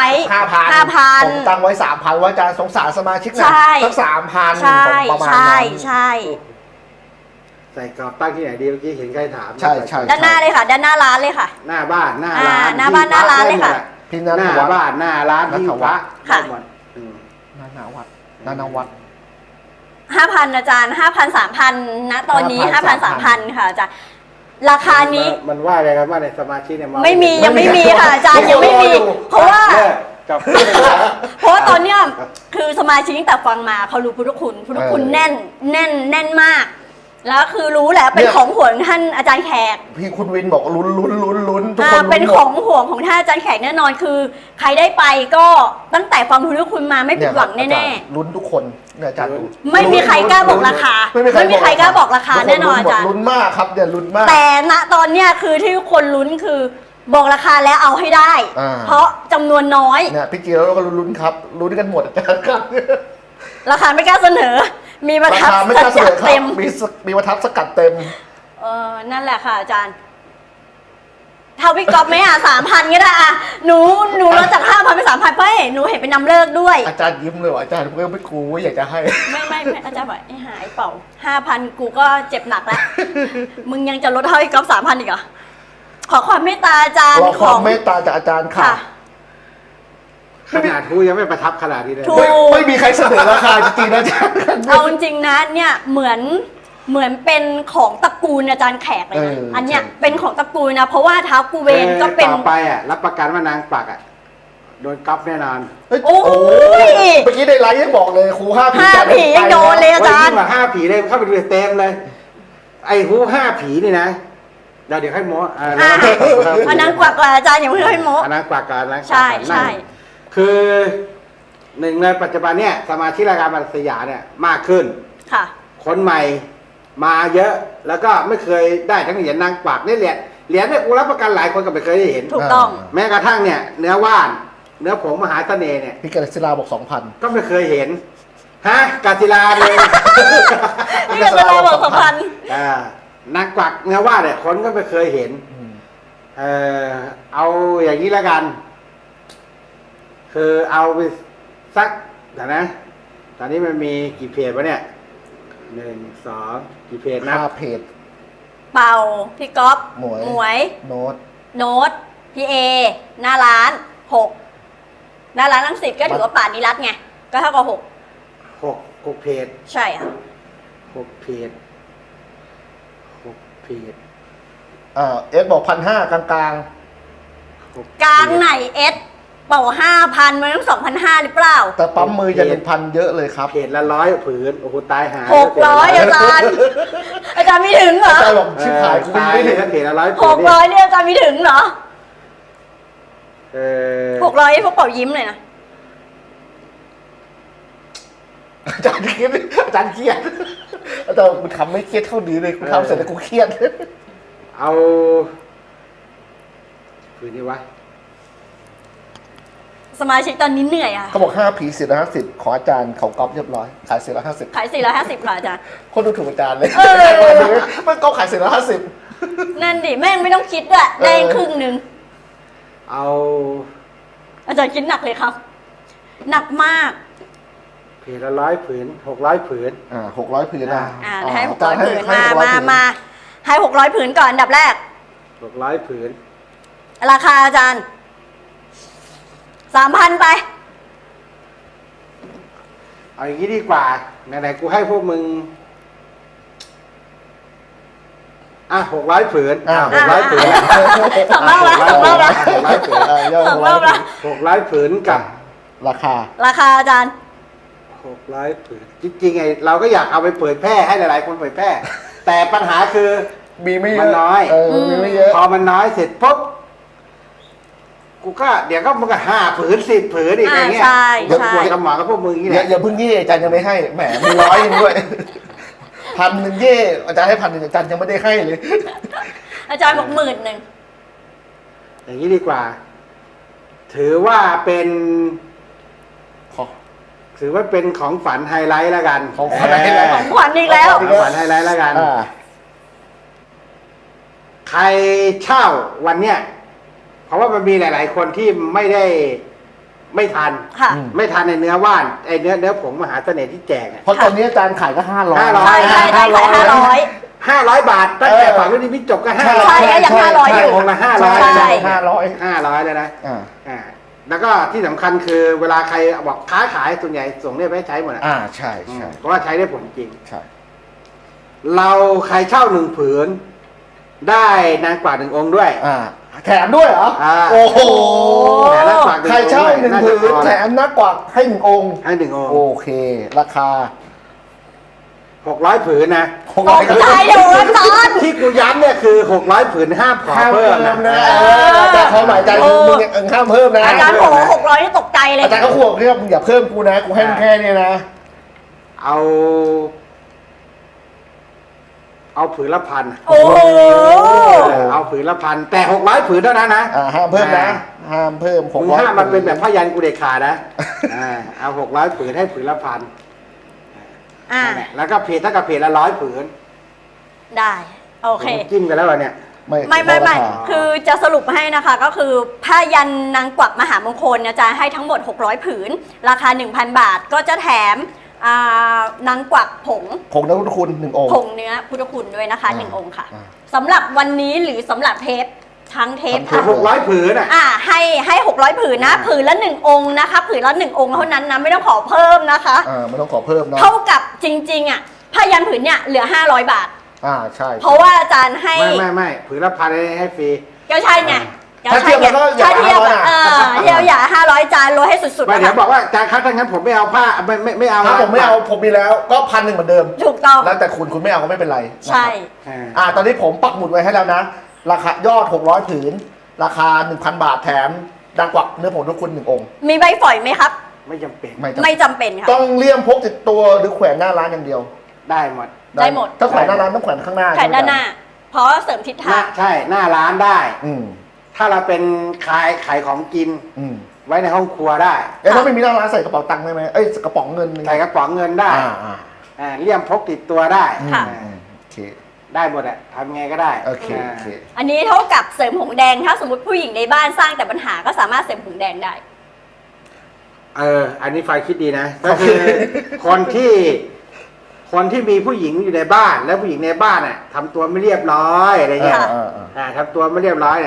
[SPEAKER 2] 5,000ผมตั้งไว้ 3,000ว่าอาจารย์สงสารสมาชิกนะ
[SPEAKER 3] ใช่
[SPEAKER 2] สัก 3,000
[SPEAKER 3] ใช่
[SPEAKER 2] ประมาณ
[SPEAKER 3] ใช่
[SPEAKER 2] นั้น
[SPEAKER 3] ใช่
[SPEAKER 1] ใส่กรอบตั้งที่ไหนดีเมื่อกี้เห็นใครถาม
[SPEAKER 2] ใช่ใช่
[SPEAKER 3] ด้านหน้าเลยค่ะ ด้านหน้าร้านเลยค่ะ
[SPEAKER 1] หน้าบ้านหน้าร้าน
[SPEAKER 3] หน้าบ้านหน้าร้านเลยค่ะ
[SPEAKER 2] พี่
[SPEAKER 1] ห
[SPEAKER 2] นัท
[SPEAKER 1] น้า
[SPEAKER 2] วัฒน์
[SPEAKER 1] บ้านหน้าร้านที่พระ
[SPEAKER 3] ค่ะ
[SPEAKER 1] ได้หมดอืม
[SPEAKER 2] นาวัดนาวัด
[SPEAKER 3] 5,000อาจารย์5,000 3,000นะตอนนี้
[SPEAKER 2] 5,000
[SPEAKER 3] 5,000 3,000ค่ะอาจารย์ราคานี้
[SPEAKER 1] มันว่าอะไรครับว่าในสมาชิกเนี่ย
[SPEAKER 3] ไม่มียังไม่มีค่ะอาจารย์ยังไม่มี เพราะว่า
[SPEAKER 1] เลิกจบ
[SPEAKER 3] เพราะว่าตอนเนี้ยคือสมาชิกตั้งแต่ฟังมาเขารู้พุทธคุณแน่นแน่นมาก แล้วคือรู้แหละเป็นของห่วงท่านอาจารย์แขก
[SPEAKER 2] พี่คุณวินบอกลุ้นทุกคนลุ้น
[SPEAKER 3] เป็นของห่วงของท่านอาจารย์แขกแน่นอนคือ ใครได้ไปก็ตั้งแต่ฟังพุทธคุณมาไม่ผิดหวังแน่ๆ
[SPEAKER 2] ลุ้นทุกคนเนี่ยอาจารย์
[SPEAKER 3] ไม่มีใครกล้าบอกราคาไม่มีใครกล้าบอกราคาแน่นอนอาจารย์
[SPEAKER 2] ลุ้นมากครับเนี่ยลุ้นมาก
[SPEAKER 3] แต่ณตอนเนี้ยคือที่ทุกคนลุ้นคือบอกราคาแล้วเอาให้ได้ เพราะจำนวนน้อย
[SPEAKER 2] เนี่ยพี่เจียวเราก็ลุ้นครับลุ้นกันหมดอาจารย์ครับ
[SPEAKER 3] ราคาไม่กล้าเสนอ มีประ
[SPEAKER 2] รา
[SPEAKER 3] ทับ
[SPEAKER 2] คาไม่
[SPEAKER 3] ส
[SPEAKER 2] กล้าเสน
[SPEAKER 3] กัด
[SPEAKER 2] อครับ
[SPEAKER 3] เต็ม
[SPEAKER 2] มีประทับสกัดเต็ม
[SPEAKER 3] นั่นแหละค่ะอาจารย์เท่าพี่ก๊อฟไหม3,000ก็ได้หนูลดจาก 5,000 ไป 3,000เพราะหนูเห็นเป็นนำเลิกด้วย
[SPEAKER 2] อาจารย์ยิ้มเลยว่ะอาจารย์เพื่อนไม่กูว่าอยากจะให้
[SPEAKER 3] ไม่อาจารย์บอกไอ้หายเปล่า 5,000 กูก็เจ็บหนักแล้ว มึงยังจะลดเท่าพี่ก๊อฟ 3,000 อีกเหรอขอความเมตตาอาจารย์
[SPEAKER 2] รอความเมตตาจากอาจารย์ค่ะ
[SPEAKER 1] ขนาดทูยังไม่ประทับขนาดนี้เลย
[SPEAKER 3] ถูก
[SPEAKER 2] ไม่มีใครเสนอราคาจริงๆนะอาจารย์
[SPEAKER 3] เอาจริงๆนะเนี่ยเหมือนเป็นของตระกูลอาจารย์แขกเลยนะอันเนี้ยเป็นของตระกูลนะเพราะว่าเท้ากูเวนก็เป็น
[SPEAKER 1] ต่อไปรับประกันว่านางปักโดนก๊อฟแน่นอน
[SPEAKER 3] โอ้ย
[SPEAKER 2] เมื่อกี้ในไลฟ์ยังบอกเลยครู5 ผี
[SPEAKER 3] 5 ผียังโดนเลยอาจารย์
[SPEAKER 1] ยิ่งกว่า5 ผีเลยเข้าไปดูเต็มเลย ไอ้หู5 ผีนี่นะเดี๋ยวให้โม้
[SPEAKER 3] อันนั้นกว่าอาจารย์อย่าเพิ่งให้โม
[SPEAKER 1] อันนั้นกว่าการนะ
[SPEAKER 3] ใช่ใช่
[SPEAKER 1] คือหนึ่งในปัจจุบันเนี่ยสมาชิกรายการบัตรสยามเนี่ยมากขึ้น
[SPEAKER 3] ค่ะ
[SPEAKER 1] คนใหม่มาเยอะแล้วก็ไม่เคยได้ทั้งเหรียญนางกวักนี่เหรียญเนี่ยกูรับประกันหลายคนก็ไม่เคยได้เห็น
[SPEAKER 3] ถูกต้อง
[SPEAKER 1] แม้กระทั่งเนี่ยเนื้อว่านเนื้อผงมหาเสน่ห์เนี่ย
[SPEAKER 2] พี่กฤษฎาบอก 2,000
[SPEAKER 1] ก็ไม่เคยเห็นฮะกาศิลาเลย
[SPEAKER 3] นี่ก็จะรอบอก2,000
[SPEAKER 1] นางกวักเนื้อว่านเนี่ยคนก็ไม่เคยเห็นเอาอย่างนี้แล้วกัน คือเอาไปสักเดี๋ยวนะตอนนี้มันมีกี่เพจวะเนี่ย1 2กี่เพจนะ
[SPEAKER 2] 5 เพจ
[SPEAKER 3] เป่าพี่ก๊อฟ
[SPEAKER 2] หมวย
[SPEAKER 3] หมวย
[SPEAKER 2] โน้ต
[SPEAKER 3] โน้ตพี่เอหน้าร้าน6หน้าร้านลังสิตก็ถือว่าป่านิรัตน์ไงก็เท่ากับ6
[SPEAKER 1] 6เพจ
[SPEAKER 3] ใช่ค่ะ
[SPEAKER 1] 6เพจ6เพจ
[SPEAKER 2] เอสบอก1,500กลาง
[SPEAKER 3] กลางไหนเอสเป่า5,000มันต้อง2,500หรือเปล่า
[SPEAKER 2] ๆแต่ปั๊มมือจะ1,000เยอะเลยครับ
[SPEAKER 1] เพจละ100ผืนโอ้โหตายหา
[SPEAKER 3] 600อาจารย์ อาจารย์ไม่ถึงเหรอ
[SPEAKER 2] อาจารย์บอกชิบหายกู
[SPEAKER 1] ตาย
[SPEAKER 2] ไม่
[SPEAKER 1] เล
[SPEAKER 2] ถึ
[SPEAKER 1] ย
[SPEAKER 2] ง
[SPEAKER 1] นะเพจละ100ผืน
[SPEAKER 3] 600เนี่ยอาจารย์ไม่ถึงเหรอ
[SPEAKER 1] เออ
[SPEAKER 3] 600พวกเป่ายิ้มเลยนะ
[SPEAKER 2] อาจารย์เครียดอาจารย์เครียดอาจารย์กูทำไม่เครียดเท่านี้เลยกูทำเสร็จแล้วกูเครียด
[SPEAKER 1] เอาผืนนี้วะ
[SPEAKER 3] สมาชิกตอนนี้เหนื่อยอ่ะ
[SPEAKER 2] เขาบอก5 ผี450ขออาจารย์เขาก๊อปเรียบร้อยขาย450
[SPEAKER 3] ขาย450ค่ะอาจารย์
[SPEAKER 2] คนดูถูกอาจารย์เลย
[SPEAKER 3] เออ
[SPEAKER 2] มันก็ขาย450
[SPEAKER 3] นั่นดิแม่งไม่ต้องคิดด้วยได้ครึ่งหนึ่ง
[SPEAKER 1] เอา
[SPEAKER 3] อาจารย์คิดหนักเลยครับ หนักมาก
[SPEAKER 1] เพจละ100ผืน600ผืน
[SPEAKER 2] 600ผืนนะ
[SPEAKER 3] ให้
[SPEAKER 2] อาจารย์
[SPEAKER 3] 600ผืน
[SPEAKER 2] ให้
[SPEAKER 3] มา
[SPEAKER 2] 600ผืน
[SPEAKER 3] ให้600ผืนก่อนอันดับแรก
[SPEAKER 1] 600ผืน
[SPEAKER 3] ราคาอาจารย์ 3,000 ไป
[SPEAKER 1] เอาอย่างนี้ดีกว่าไหนๆกูให้พวกมึง600ผืน600ผืน
[SPEAKER 3] สองรอบละ
[SPEAKER 1] 600ผืน
[SPEAKER 3] สองรอบละ
[SPEAKER 1] 600ผืนกับ
[SPEAKER 2] ราคา
[SPEAKER 3] ราคาอาจารย์
[SPEAKER 1] 600ผืนจริงๆไงเราก็อยากเอาไปเผยแพร่ให้หลายๆคนเผยแพร่ แต่ปัญหาคือ
[SPEAKER 2] มีไม่เยอะ
[SPEAKER 1] มันน้อย
[SPEAKER 2] มีไม่เยอะ
[SPEAKER 1] พอมันน้อยเสร็จปุ๊บกูก็เดี๋ยวก็มันก็5ผืน10ผืนอีกอะไรเงี้ย
[SPEAKER 3] ใช่
[SPEAKER 1] เดี๋ยว
[SPEAKER 3] ใช่
[SPEAKER 1] ปวดกระหม่อมกับพวกมึงอย่างนี้แหละ
[SPEAKER 2] อย่าเพิ่งเย่อาจารย์ยังไม่ให้แหมมี100นึงด้วย1,000เย่อาจารย์ให้1,000อาจารย์ยังไม่ได้ให้เลย
[SPEAKER 3] อาจารย์บอก10,000
[SPEAKER 1] อย่างนี้ดีกว่า ถือว่าเป็นของฝันไฮไลท์แล้วกัน
[SPEAKER 2] ของขวัญไฮไลท์
[SPEAKER 3] ของขวัญอีกแล้ว
[SPEAKER 1] ของฝันไฮไลท์แล้วกัน
[SPEAKER 2] อ่า
[SPEAKER 1] ใครเช่าวันเนี้ยเพราะว่ามันมีหลาย ๆ คนที่ไม่ทัน
[SPEAKER 3] ค่ะ
[SPEAKER 1] ไม่ทันในเนื้อว่านไอเนื้อผงมหาเสน่ห์ที่แจกอะ
[SPEAKER 2] เพราะตอนนี้อาจารย์ขายก็500
[SPEAKER 3] ใช่ใช่ใช่ขาย
[SPEAKER 1] 500 บาทตั้งแต่ฝั่งรุ่นนี้พี่จบก็
[SPEAKER 2] ใช่
[SPEAKER 3] ใช่
[SPEAKER 1] 500
[SPEAKER 3] ก็ยัง500อยู่
[SPEAKER 1] องค์ละ500
[SPEAKER 3] ใช่
[SPEAKER 1] 500เลยนะ
[SPEAKER 2] อ่า
[SPEAKER 1] แล้วก็ที่สำคัญคือเวลาใครบอกค้าขายส่วนใหญ่ส่งเนี่ยไปให้ใช้หมดอะ
[SPEAKER 2] ใช่ใช่
[SPEAKER 1] เพราะว่าใช้ได้ผลจริง
[SPEAKER 2] ใช่
[SPEAKER 1] เราใครเช่า1 ผืน ได้นางกว่า1 องค์ด้วย
[SPEAKER 2] แถมด้วยเหรอ โอ้โห
[SPEAKER 1] แต่นางกว่า1
[SPEAKER 2] ใครเช่า1 ผืนแถมนักกว่าให้1 องค์
[SPEAKER 1] ให้1 องค์
[SPEAKER 2] โอเค ราคา
[SPEAKER 1] 600 ผืนนะ
[SPEAKER 3] ตกใจอยู่อาจารย์
[SPEAKER 1] ที่กูย้ำเนี่ยคือ600 ผืนห้ามขอ
[SPEAKER 2] ห้าม
[SPEAKER 1] เพิ่
[SPEAKER 2] เพิ่
[SPEAKER 1] ม
[SPEAKER 2] ม
[SPEAKER 1] นะ
[SPEAKER 2] นะแต่เขาหมายใจคือมึงยังห้ามเพิ่มนะ
[SPEAKER 3] อาจารย์โห600นี่ตกใจเลย
[SPEAKER 2] อาจารย์ก็ห่วงเนี่ยมึงอย่าเพิ่มกูนะ กูให้มึงแค่นี้นะ
[SPEAKER 1] เอาผืนละ1,000
[SPEAKER 3] โอ้โห
[SPEAKER 1] เอาผืนละ1,000แต่600 ผืนเท่านั้นนะ
[SPEAKER 2] ห้ามเพิ่มนะ ห้ามเพิ่ม
[SPEAKER 1] มึง
[SPEAKER 2] 600
[SPEAKER 1] ห้ามมันเป็นแบบผ้ายันกูเด็ดขาดนะเอา600 ผืนให้ผืนละ1,000
[SPEAKER 3] อ่า
[SPEAKER 1] นั่นแหละแล้วก็เพจถ้ากับเพจละ100 ผืน
[SPEAKER 3] ได้ โอเค
[SPEAKER 1] จิ้มกันแล้วเหรอเนี่ย
[SPEAKER 3] ไม่คือจะสรุปให้นะคะ ก็คือผ้ายันนางกวักมหามงคลอาจารย์ให้ทั้งหมด600 ผืน ราคา 1,000 บาท ก็จะแถมนางกวักผง
[SPEAKER 2] ผงนักพุทธคุณ1 องค์
[SPEAKER 3] ผงเนื้อพุทธคุณด้วยนะคะ
[SPEAKER 2] อ่า
[SPEAKER 3] 1 องค์ค่ะ
[SPEAKER 2] อ่า
[SPEAKER 3] สำหรับวันนี้หรือสำหรับเทปทั้งเทป
[SPEAKER 1] ผืน600 ผืนอ่ะ
[SPEAKER 3] ให้600 ผืนนะ ผืนละ1 องค์นะคะผืนละ1 องค์เท่านั้นนะไม่ต้องขอเพิ่มนะคะ
[SPEAKER 2] ไม่ต้องขอเพิ่มนะ
[SPEAKER 3] เท่ากับจริงๆผ้ายันผืนเนี่ยเหลือ500 บาท
[SPEAKER 2] ใช่
[SPEAKER 3] เพราะว่าอาจารย์ให้
[SPEAKER 1] ไม่ผืนละ1,000ให้ฟรี
[SPEAKER 3] ก็ใช่ไง
[SPEAKER 2] ถ้าเทียบแล้วก็อย่า
[SPEAKER 3] ถ้าเทียบ
[SPEAKER 2] 500
[SPEAKER 3] เทียบอย่า500จานลดให้สุดๆ
[SPEAKER 1] ไม่เดี๋ยว
[SPEAKER 3] นะคะ
[SPEAKER 1] บอกว่าจานคัดถ้างั้นผมไม่เอาผ้าไม่เอา
[SPEAKER 2] ถ้าผมไม่เอาผมมีแล้วก็1,000เหมือนเดิม
[SPEAKER 3] ถูกต้อง
[SPEAKER 2] แล้วแต่คุณไม่เอาก็ไม่เป็นไรนะครับ
[SPEAKER 3] ใช่
[SPEAKER 2] ตอนนี้ผมปักหมุดไว้ให้แล้วนะ ราคายอด600 ผืน ราคา 1,000 บาทแถมดังกวักเนื้อผงทุกคุณ1 องค์
[SPEAKER 3] มีใบฝอยไหมครับ
[SPEAKER 1] ไม่จำเป็น
[SPEAKER 3] ไม่จำเป็นค่ะ
[SPEAKER 2] ต้องเลี่ยมพกติดตัวหรือแขวนหน้าร้านอย่างเดียว
[SPEAKER 1] ได้หมด
[SPEAKER 3] ได้หมด
[SPEAKER 2] ถ้าแขวนหน้าร้านต้องแขวนข้างหน้า
[SPEAKER 3] แขนด้านหน้า เพราะเสริมทิศทาง
[SPEAKER 1] ใช่หน้าร้านได้
[SPEAKER 2] อืม
[SPEAKER 1] ถ้าเราเป็นขายของกิน
[SPEAKER 2] อืม
[SPEAKER 1] ไว้ในห้องครัวได้
[SPEAKER 2] ถ้าไม่มีหน้าร้านใส่กระเป๋าตังค์ได้ไหมกระป๋องเงิน
[SPEAKER 1] ใส่กระป๋องเงินได้เลี่ยมพกติดตัวได้
[SPEAKER 3] ค่ะ
[SPEAKER 2] โอเค
[SPEAKER 1] ได้หมดอะทำไงก็ได้
[SPEAKER 2] โอเค
[SPEAKER 3] อันนี้เท่ากับเสริมหงแดง ถ้าสมมติผู้หญิงในบ้านสร้างแต่ปัญหาก็สามารถเสริมหงแดงได้
[SPEAKER 1] อันนี้ไฟคิดดีนะ ก็คือคนที่มีผู้หญิงอยู่ในบ้าน แล้วผู้หญิงในบ้านทำตัวไม่เรียบร้อยอะไรเงี้ย
[SPEAKER 3] ค่ะ
[SPEAKER 1] ทำตัวไม่เรียบร้อยเนี่ย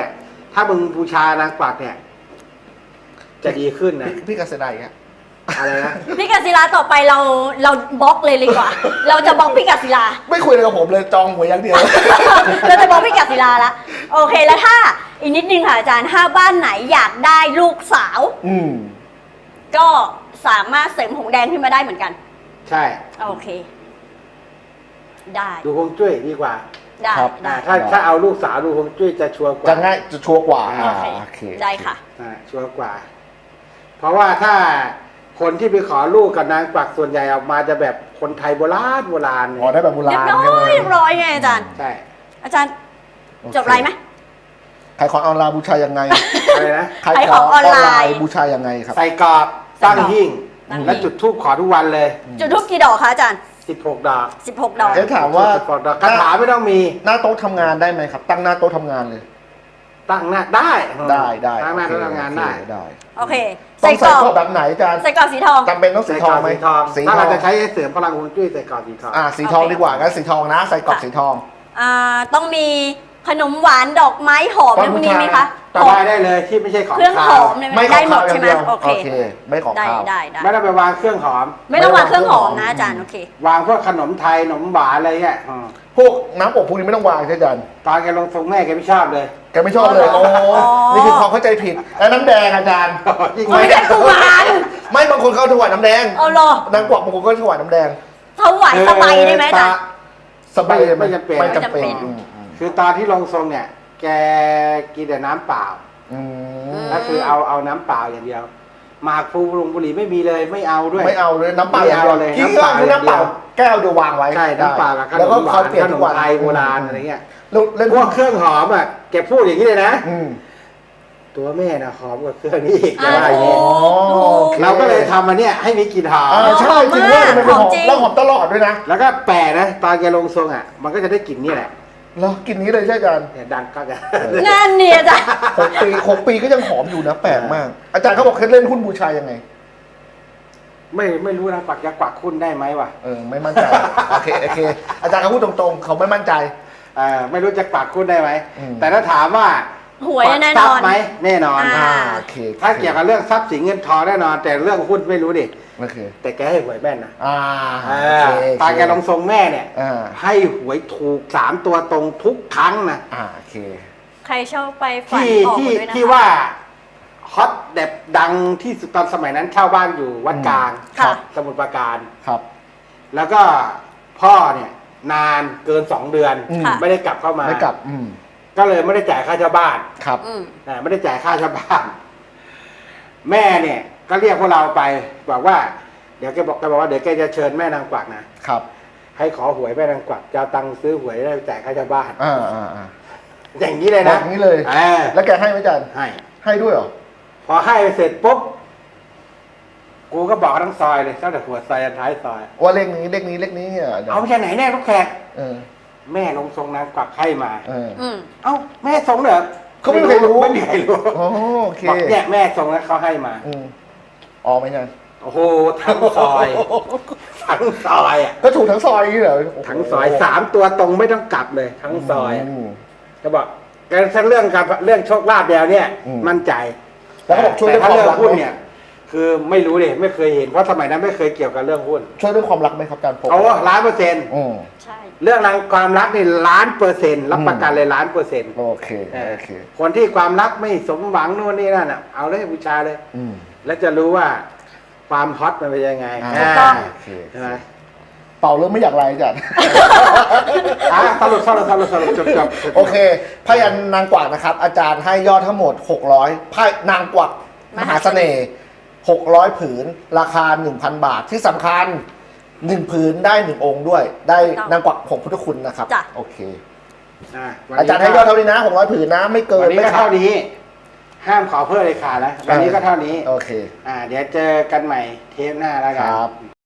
[SPEAKER 1] ถ้ามึงบูชานางกวักเนี่ย จะดีขึ้นนะ
[SPEAKER 2] พี่กษณัยอ่ะ
[SPEAKER 1] อะไรนะ
[SPEAKER 3] พี่กศิลาต่อไปเราบล็อกเลยดีกว่า เราจะบล็อกพี่กศิลา
[SPEAKER 2] ไม่คุยอะไรกับผมเลยจองหวยอย่างเดียว
[SPEAKER 3] เราจะบล็อกพี่กศิลาละโอเคแล้วถ้าอีกนิดนึงค่ะอาจารย์ถ้าบ้านไหนอยากได้ลูกสาว
[SPEAKER 2] อืม
[SPEAKER 3] ก็สามารถเสริมหงแดงขึ้นมาได้เหมือนกัน
[SPEAKER 1] ใช่
[SPEAKER 3] โอเค ได้
[SPEAKER 1] ดูฮวงจุ้ยดีกว่า
[SPEAKER 3] ได้
[SPEAKER 2] ครับ
[SPEAKER 3] ได้
[SPEAKER 1] ถ้าเอาลูกสาวดูฮวงจุ้ยจะชัวร์กว่า
[SPEAKER 2] จะง่ายจะชัวร์กว่า
[SPEAKER 1] อ่า
[SPEAKER 2] โอเค
[SPEAKER 3] ได้ค่ะ
[SPEAKER 1] ชัวร์กว่า เพราะว่าถ้าคนที่ไปขอลูกกับนางกวักส่วนใหญ่ออกมาจะแบบคนไทยโบราณเนี่
[SPEAKER 2] อ๋อได้แบบโบ
[SPEAKER 3] เรีย
[SPEAKER 2] รา
[SPEAKER 3] บ
[SPEAKER 2] ณ
[SPEAKER 3] ร้อย
[SPEAKER 2] ใช่ไหม
[SPEAKER 3] เรียบร้อยไงอาจารย์
[SPEAKER 1] ใช่
[SPEAKER 3] อาจารย์จบไรไหม
[SPEAKER 2] ขายของออนไลน์บูชายังไง
[SPEAKER 1] อะไรนะ
[SPEAKER 3] ขายของออนไลน์
[SPEAKER 2] บูชายังไงครับ
[SPEAKER 1] ใส่กรอบตั้งหิ้ง
[SPEAKER 3] ตั้งหิ้ง
[SPEAKER 1] แล้วจุดธูปขอทุกวันเลย
[SPEAKER 3] จุดทูบกี่ดอกคะอาจารย์
[SPEAKER 1] 16 ดอก
[SPEAKER 3] 16 ดอก
[SPEAKER 2] เอ๊ะถามว่า
[SPEAKER 1] 16 ดอกคาถาไม่ต้องมี
[SPEAKER 2] หน้าโต๊ะทำงานได้ไหมครับ ตั้งหน้าโต๊ะทำงานเลย
[SPEAKER 1] ตั้งหน้าได้
[SPEAKER 2] ได้
[SPEAKER 1] ตั้งหน้า
[SPEAKER 2] โอเค
[SPEAKER 1] ทำงานได้
[SPEAKER 2] ได้
[SPEAKER 3] โอเค
[SPEAKER 2] ต้
[SPEAKER 3] ใส่
[SPEAKER 2] อง
[SPEAKER 3] ก
[SPEAKER 2] ใส่
[SPEAKER 3] รอบ
[SPEAKER 2] กรอบแบบไหนอาจารย์
[SPEAKER 3] ใส่กรอบสีทอง
[SPEAKER 2] จำเป็นต้องสี
[SPEAKER 1] ใส่
[SPEAKER 2] ท
[SPEAKER 1] กร
[SPEAKER 2] อ
[SPEAKER 1] อง บ
[SPEAKER 2] ไหม
[SPEAKER 1] สีทอง
[SPEAKER 2] สี
[SPEAKER 1] ถ้า
[SPEAKER 2] ทอ
[SPEAKER 1] เรา
[SPEAKER 2] ง
[SPEAKER 1] จะใช้เสริมพลังฮวงจุ้ยใส่กรอบสีทอง
[SPEAKER 2] สีทองดีกว่างั้นสีทองนะ ใส่กรอบสีทอง
[SPEAKER 3] ต้องมีขนมหวานดอกไม้หอม
[SPEAKER 2] ตอน
[SPEAKER 3] พวกนี้ไหมคะ
[SPEAKER 2] บูชา
[SPEAKER 1] ได้เลยที่ไม่ใช่ของ
[SPEAKER 3] เครื่องห
[SPEAKER 1] คา
[SPEAKER 3] อ
[SPEAKER 1] ว
[SPEAKER 3] มเนี่ย
[SPEAKER 2] ไม่ข
[SPEAKER 3] ได้
[SPEAKER 2] อง
[SPEAKER 3] หม
[SPEAKER 2] ข้าว
[SPEAKER 3] ด
[SPEAKER 2] อย่า
[SPEAKER 3] ใช่
[SPEAKER 2] ง
[SPEAKER 3] ไหม
[SPEAKER 2] เดียว
[SPEAKER 3] โอเค
[SPEAKER 2] ไม่ของ
[SPEAKER 3] ได้
[SPEAKER 2] ข้าว
[SPEAKER 3] ได้ได้
[SPEAKER 1] ไม่ต้องไปวางเครื่องหอม
[SPEAKER 3] ไม่ต้องวางเครื่องหอมนะอาจารย์โอเค
[SPEAKER 1] วางพวกขนมไทยขนมหวานอะไรเงี้ย
[SPEAKER 2] พวกน้ำอบพวกนี้ไม่ต้องวางใช่ไหมอาจารย์
[SPEAKER 1] ตอนแกลงทรงแม่แกไม่ชอบเลย
[SPEAKER 2] แกไม่ชอบเลย โอ้นี่คือความเข้าใจผิด แล้วน้ำแดงอาจารย์
[SPEAKER 1] ยิ่ง
[SPEAKER 3] ไม่ใช่กุมาร
[SPEAKER 2] ไม่บางคนเขาถวายน้ำแดง
[SPEAKER 3] เอาเหรอน
[SPEAKER 2] างกวักบางคนก็ถวายน้ำแดง
[SPEAKER 3] ถวายสบายได้ไหมอาจารย์
[SPEAKER 2] สบาย
[SPEAKER 1] ไม่จำเป็น
[SPEAKER 2] ไม่จำเป็น
[SPEAKER 3] ไม่จำเป็น
[SPEAKER 1] คือตอนที่ลงทรงเนี่ย แกกินแต่น้ำเปล่า
[SPEAKER 2] อืม
[SPEAKER 1] ก็คือเอาน้ำเปล่าอย่างเดียวหมากพลูลงบุหรี่ไม่มีเลยไม่เอาด้วย
[SPEAKER 2] ไม่เอาเลยน้ำเปล่าอย่างเดียว
[SPEAKER 1] ไม่เอาเลย
[SPEAKER 2] ที่
[SPEAKER 1] น้ำเปล่า
[SPEAKER 2] คือน้ำเปล่า
[SPEAKER 1] อย่างเดียว
[SPEAKER 2] แก้วเดียววางไว้
[SPEAKER 1] ใช่น้ำเปล่ากับขน
[SPEAKER 2] แล้วก็
[SPEAKER 1] มหวา
[SPEAKER 2] เขา
[SPEAKER 1] น
[SPEAKER 2] เปลี่ยน
[SPEAKER 1] ขน
[SPEAKER 2] ทุก
[SPEAKER 1] ม
[SPEAKER 2] วัน
[SPEAKER 1] ไทยโบราณอะไรเงี้ย
[SPEAKER 2] แล้วเล่น
[SPEAKER 1] พวกเครื่องหอมอ่ะแกพูดอย่างนี้เลยนะ
[SPEAKER 2] อืม
[SPEAKER 1] ตัวแม่นะหอมกว่าเครื่องนี้อีกแก
[SPEAKER 3] อ่า
[SPEAKER 1] ว่าอย่าง
[SPEAKER 3] ถู
[SPEAKER 1] นี้
[SPEAKER 3] กถูก
[SPEAKER 1] เราก็เลยทำมาเนี่ยให้มีกลิ่นหอม
[SPEAKER 2] ใช่จริงด้วยมันเป็นหอ
[SPEAKER 3] หอ
[SPEAKER 2] ม
[SPEAKER 3] มจริง
[SPEAKER 2] แล้วหอมตลอดด้วยนะ
[SPEAKER 1] แล้วก็แปลกนะตอนแกลงทรงอ่ะ มันก็จะได้กลิ่นนี่แหละ
[SPEAKER 2] แล้วกินนี้เลยใช่อาจารย์
[SPEAKER 1] เนี่ยดังก็จะ
[SPEAKER 3] นั่นเนี่ยอาจารย์
[SPEAKER 2] 6 ปีก็ยังหอมอยู่นะแปลกมาก อาจารย์เขาบอกเคล็ดเล่นหุ้นบูชายังไง
[SPEAKER 1] ไม่รู้นะกวักจะกวักคุณได้ไหมวะ
[SPEAKER 2] ไม่มั่นใจ โอเคอาจารย์เขาพูดตรงๆ เขาไม่มั่นใจ
[SPEAKER 1] ไม่รู้จะกวักคุณได้ไหม
[SPEAKER 2] อืม
[SPEAKER 1] แต่ถ้าถามว่า
[SPEAKER 3] หวยแน่นอน
[SPEAKER 1] ทรัพย์ไหมแน่นอน
[SPEAKER 2] โอเค
[SPEAKER 1] ถ้าเกี่ยวกับเรื่องทรัพย์สินเงินทองแน่นอน แต่เรื่องหุ้นไม่รู้ดิ
[SPEAKER 2] โอเค
[SPEAKER 1] แต่แกให้หวยแม่นนะ
[SPEAKER 2] โอเค
[SPEAKER 1] ตอนแกลงทรงแม่เนี่ย
[SPEAKER 2] อ่า
[SPEAKER 1] ให้หวยถูก3 ตัวตรงทุกครั้งนะ
[SPEAKER 2] โอเค
[SPEAKER 3] ใครชอบไปฝัน
[SPEAKER 1] ที่
[SPEAKER 3] ออก
[SPEAKER 1] ที่
[SPEAKER 3] ด้วยนะคะ
[SPEAKER 1] ที่ว่าฮอตแบบดังที่สุดตอนสมัยนั้นเช่าบ้านอยู่วัดกลาง
[SPEAKER 3] ค่ะ
[SPEAKER 1] สมุทรปราการ
[SPEAKER 2] ครับ
[SPEAKER 1] แล้วก็พ่อเนี่ยนานเกิน 2 เดือน
[SPEAKER 3] ค่ะ
[SPEAKER 1] ไม่ได้กลับเข้ามา
[SPEAKER 2] ไม่กลับ
[SPEAKER 1] ก็เลยไม่ได้จ่ายค่าเช่าบ้าน
[SPEAKER 2] ครับ
[SPEAKER 3] อืม
[SPEAKER 1] ไม่ได้จ่ายค่าเช่าบ้าน แม่เนี่ย ก็เรียกพวกเราไปบอกว่าเดี๋ยวแกบอกว่าเดี๋ยวแกจะเชิญแม่นางกวักนะครับ ให้ขอหวยแม่นางกวักจะเอาตังค์ซื้อหวยได้จ่ายค่าเช่าบ้าน อย่างนี้เลย
[SPEAKER 2] บอ
[SPEAKER 1] นะ
[SPEAKER 2] กอย่างนี้เลย แล้วแกให้ไหมอาจารย์
[SPEAKER 1] ให้
[SPEAKER 2] ให้ด้วยเหรอ
[SPEAKER 1] พอให้เสร็จปุ๊บกูก็บอกทั้งซอยเลยตั้งแต่หัวซอยยันท้ายซอย
[SPEAKER 2] ว่าเลขนี้อ่ะ
[SPEAKER 1] เอาไปจากไหนแน่ลูกแขก
[SPEAKER 2] เออ
[SPEAKER 1] แม่ลงทรงนางกวักให้มา
[SPEAKER 2] เออ
[SPEAKER 3] อืม
[SPEAKER 1] เอ้าแม่ทรงเหรอ
[SPEAKER 2] เขาไม่มีใครรู้
[SPEAKER 1] ไม่มีใครรู้
[SPEAKER 2] โอเค
[SPEAKER 1] บอกเนี่ยแม่ทรงแล้วเขาให้มา
[SPEAKER 2] อ๋อไม่ใช่
[SPEAKER 1] โอ้โหทั้งซอยทั้งซอยอ่ะ
[SPEAKER 2] ก็ถูกทั้งซอยนี่เหรอ
[SPEAKER 1] ทั้งซอย3 ตัวตรงไม่ต้องกลับเลย ทั้งซอย
[SPEAKER 2] ม
[SPEAKER 1] ก็บอกแต่ถ้าเรื่องโชคลาภเดียวเนี่ย มั่นใจ
[SPEAKER 2] แล้วก็บอกช่วย
[SPEAKER 1] แต่
[SPEAKER 2] เรื่อง
[SPEAKER 1] ถ้า
[SPEAKER 2] ความ
[SPEAKER 1] เรื่องหุ้น
[SPEAKER 2] รักไหม
[SPEAKER 1] เนี่ย คือไม่รู้เลยไม่เคยเห็นเพราะสมัยนั้นไม่เคยเกี่ยวกับเรื่องหุ้น
[SPEAKER 2] ช่วยเรื่องความรักไหมครับอาจารย์ผม
[SPEAKER 1] เอา1,000,000%
[SPEAKER 2] อืม
[SPEAKER 3] ใช่
[SPEAKER 1] เรื่องรางความรักนี่1,000,000%รับประกันเลย1,000,000%
[SPEAKER 2] โอเคโอเค
[SPEAKER 1] คนที่ความรักไม่สมหวังนู่นนี่นั่นอ่ะเอาเลยบูชาเลย
[SPEAKER 2] อืม
[SPEAKER 1] แล้วจะรู้ว่าความฮอตมันเป็นยังไง
[SPEAKER 3] ถูกต้อง
[SPEAKER 2] โอเค
[SPEAKER 1] ใช่ไหม
[SPEAKER 2] เป่าเรื่องไม่อยากไรอาจารย์
[SPEAKER 1] สรุปจบ
[SPEAKER 2] โอเคพยัญนางกวักนะครับ อาจารย์ให้ยอดทั้งหมด600ไพ่นางกวักมหาเสน่ห์600 ผืน ราคา 1,000 บาทที่สำคัญ1 ผืนได้ 1 องค์ด้วย ได้นางกวักผงพุทธคุณนะครับ
[SPEAKER 3] จ้ะ
[SPEAKER 2] โอเค
[SPEAKER 1] วัน
[SPEAKER 2] อา
[SPEAKER 1] นี้
[SPEAKER 2] จารย์ให้ยอดเท่านี้นะ600 ผืนนะไม่เกิ
[SPEAKER 1] วัน นนี้
[SPEAKER 2] ไม่
[SPEAKER 1] ก็
[SPEAKER 2] ขา
[SPEAKER 1] เท่า
[SPEAKER 2] ด
[SPEAKER 1] นี้ ห้ามขอเพิ่มเลยขาดแล้ววันนี้ก็เท่านี้
[SPEAKER 2] โอเค
[SPEAKER 1] เดี๋ยวเจอกันใหม่เทปหน้าแล้ว
[SPEAKER 2] ค
[SPEAKER 1] กัน
[SPEAKER 2] รับ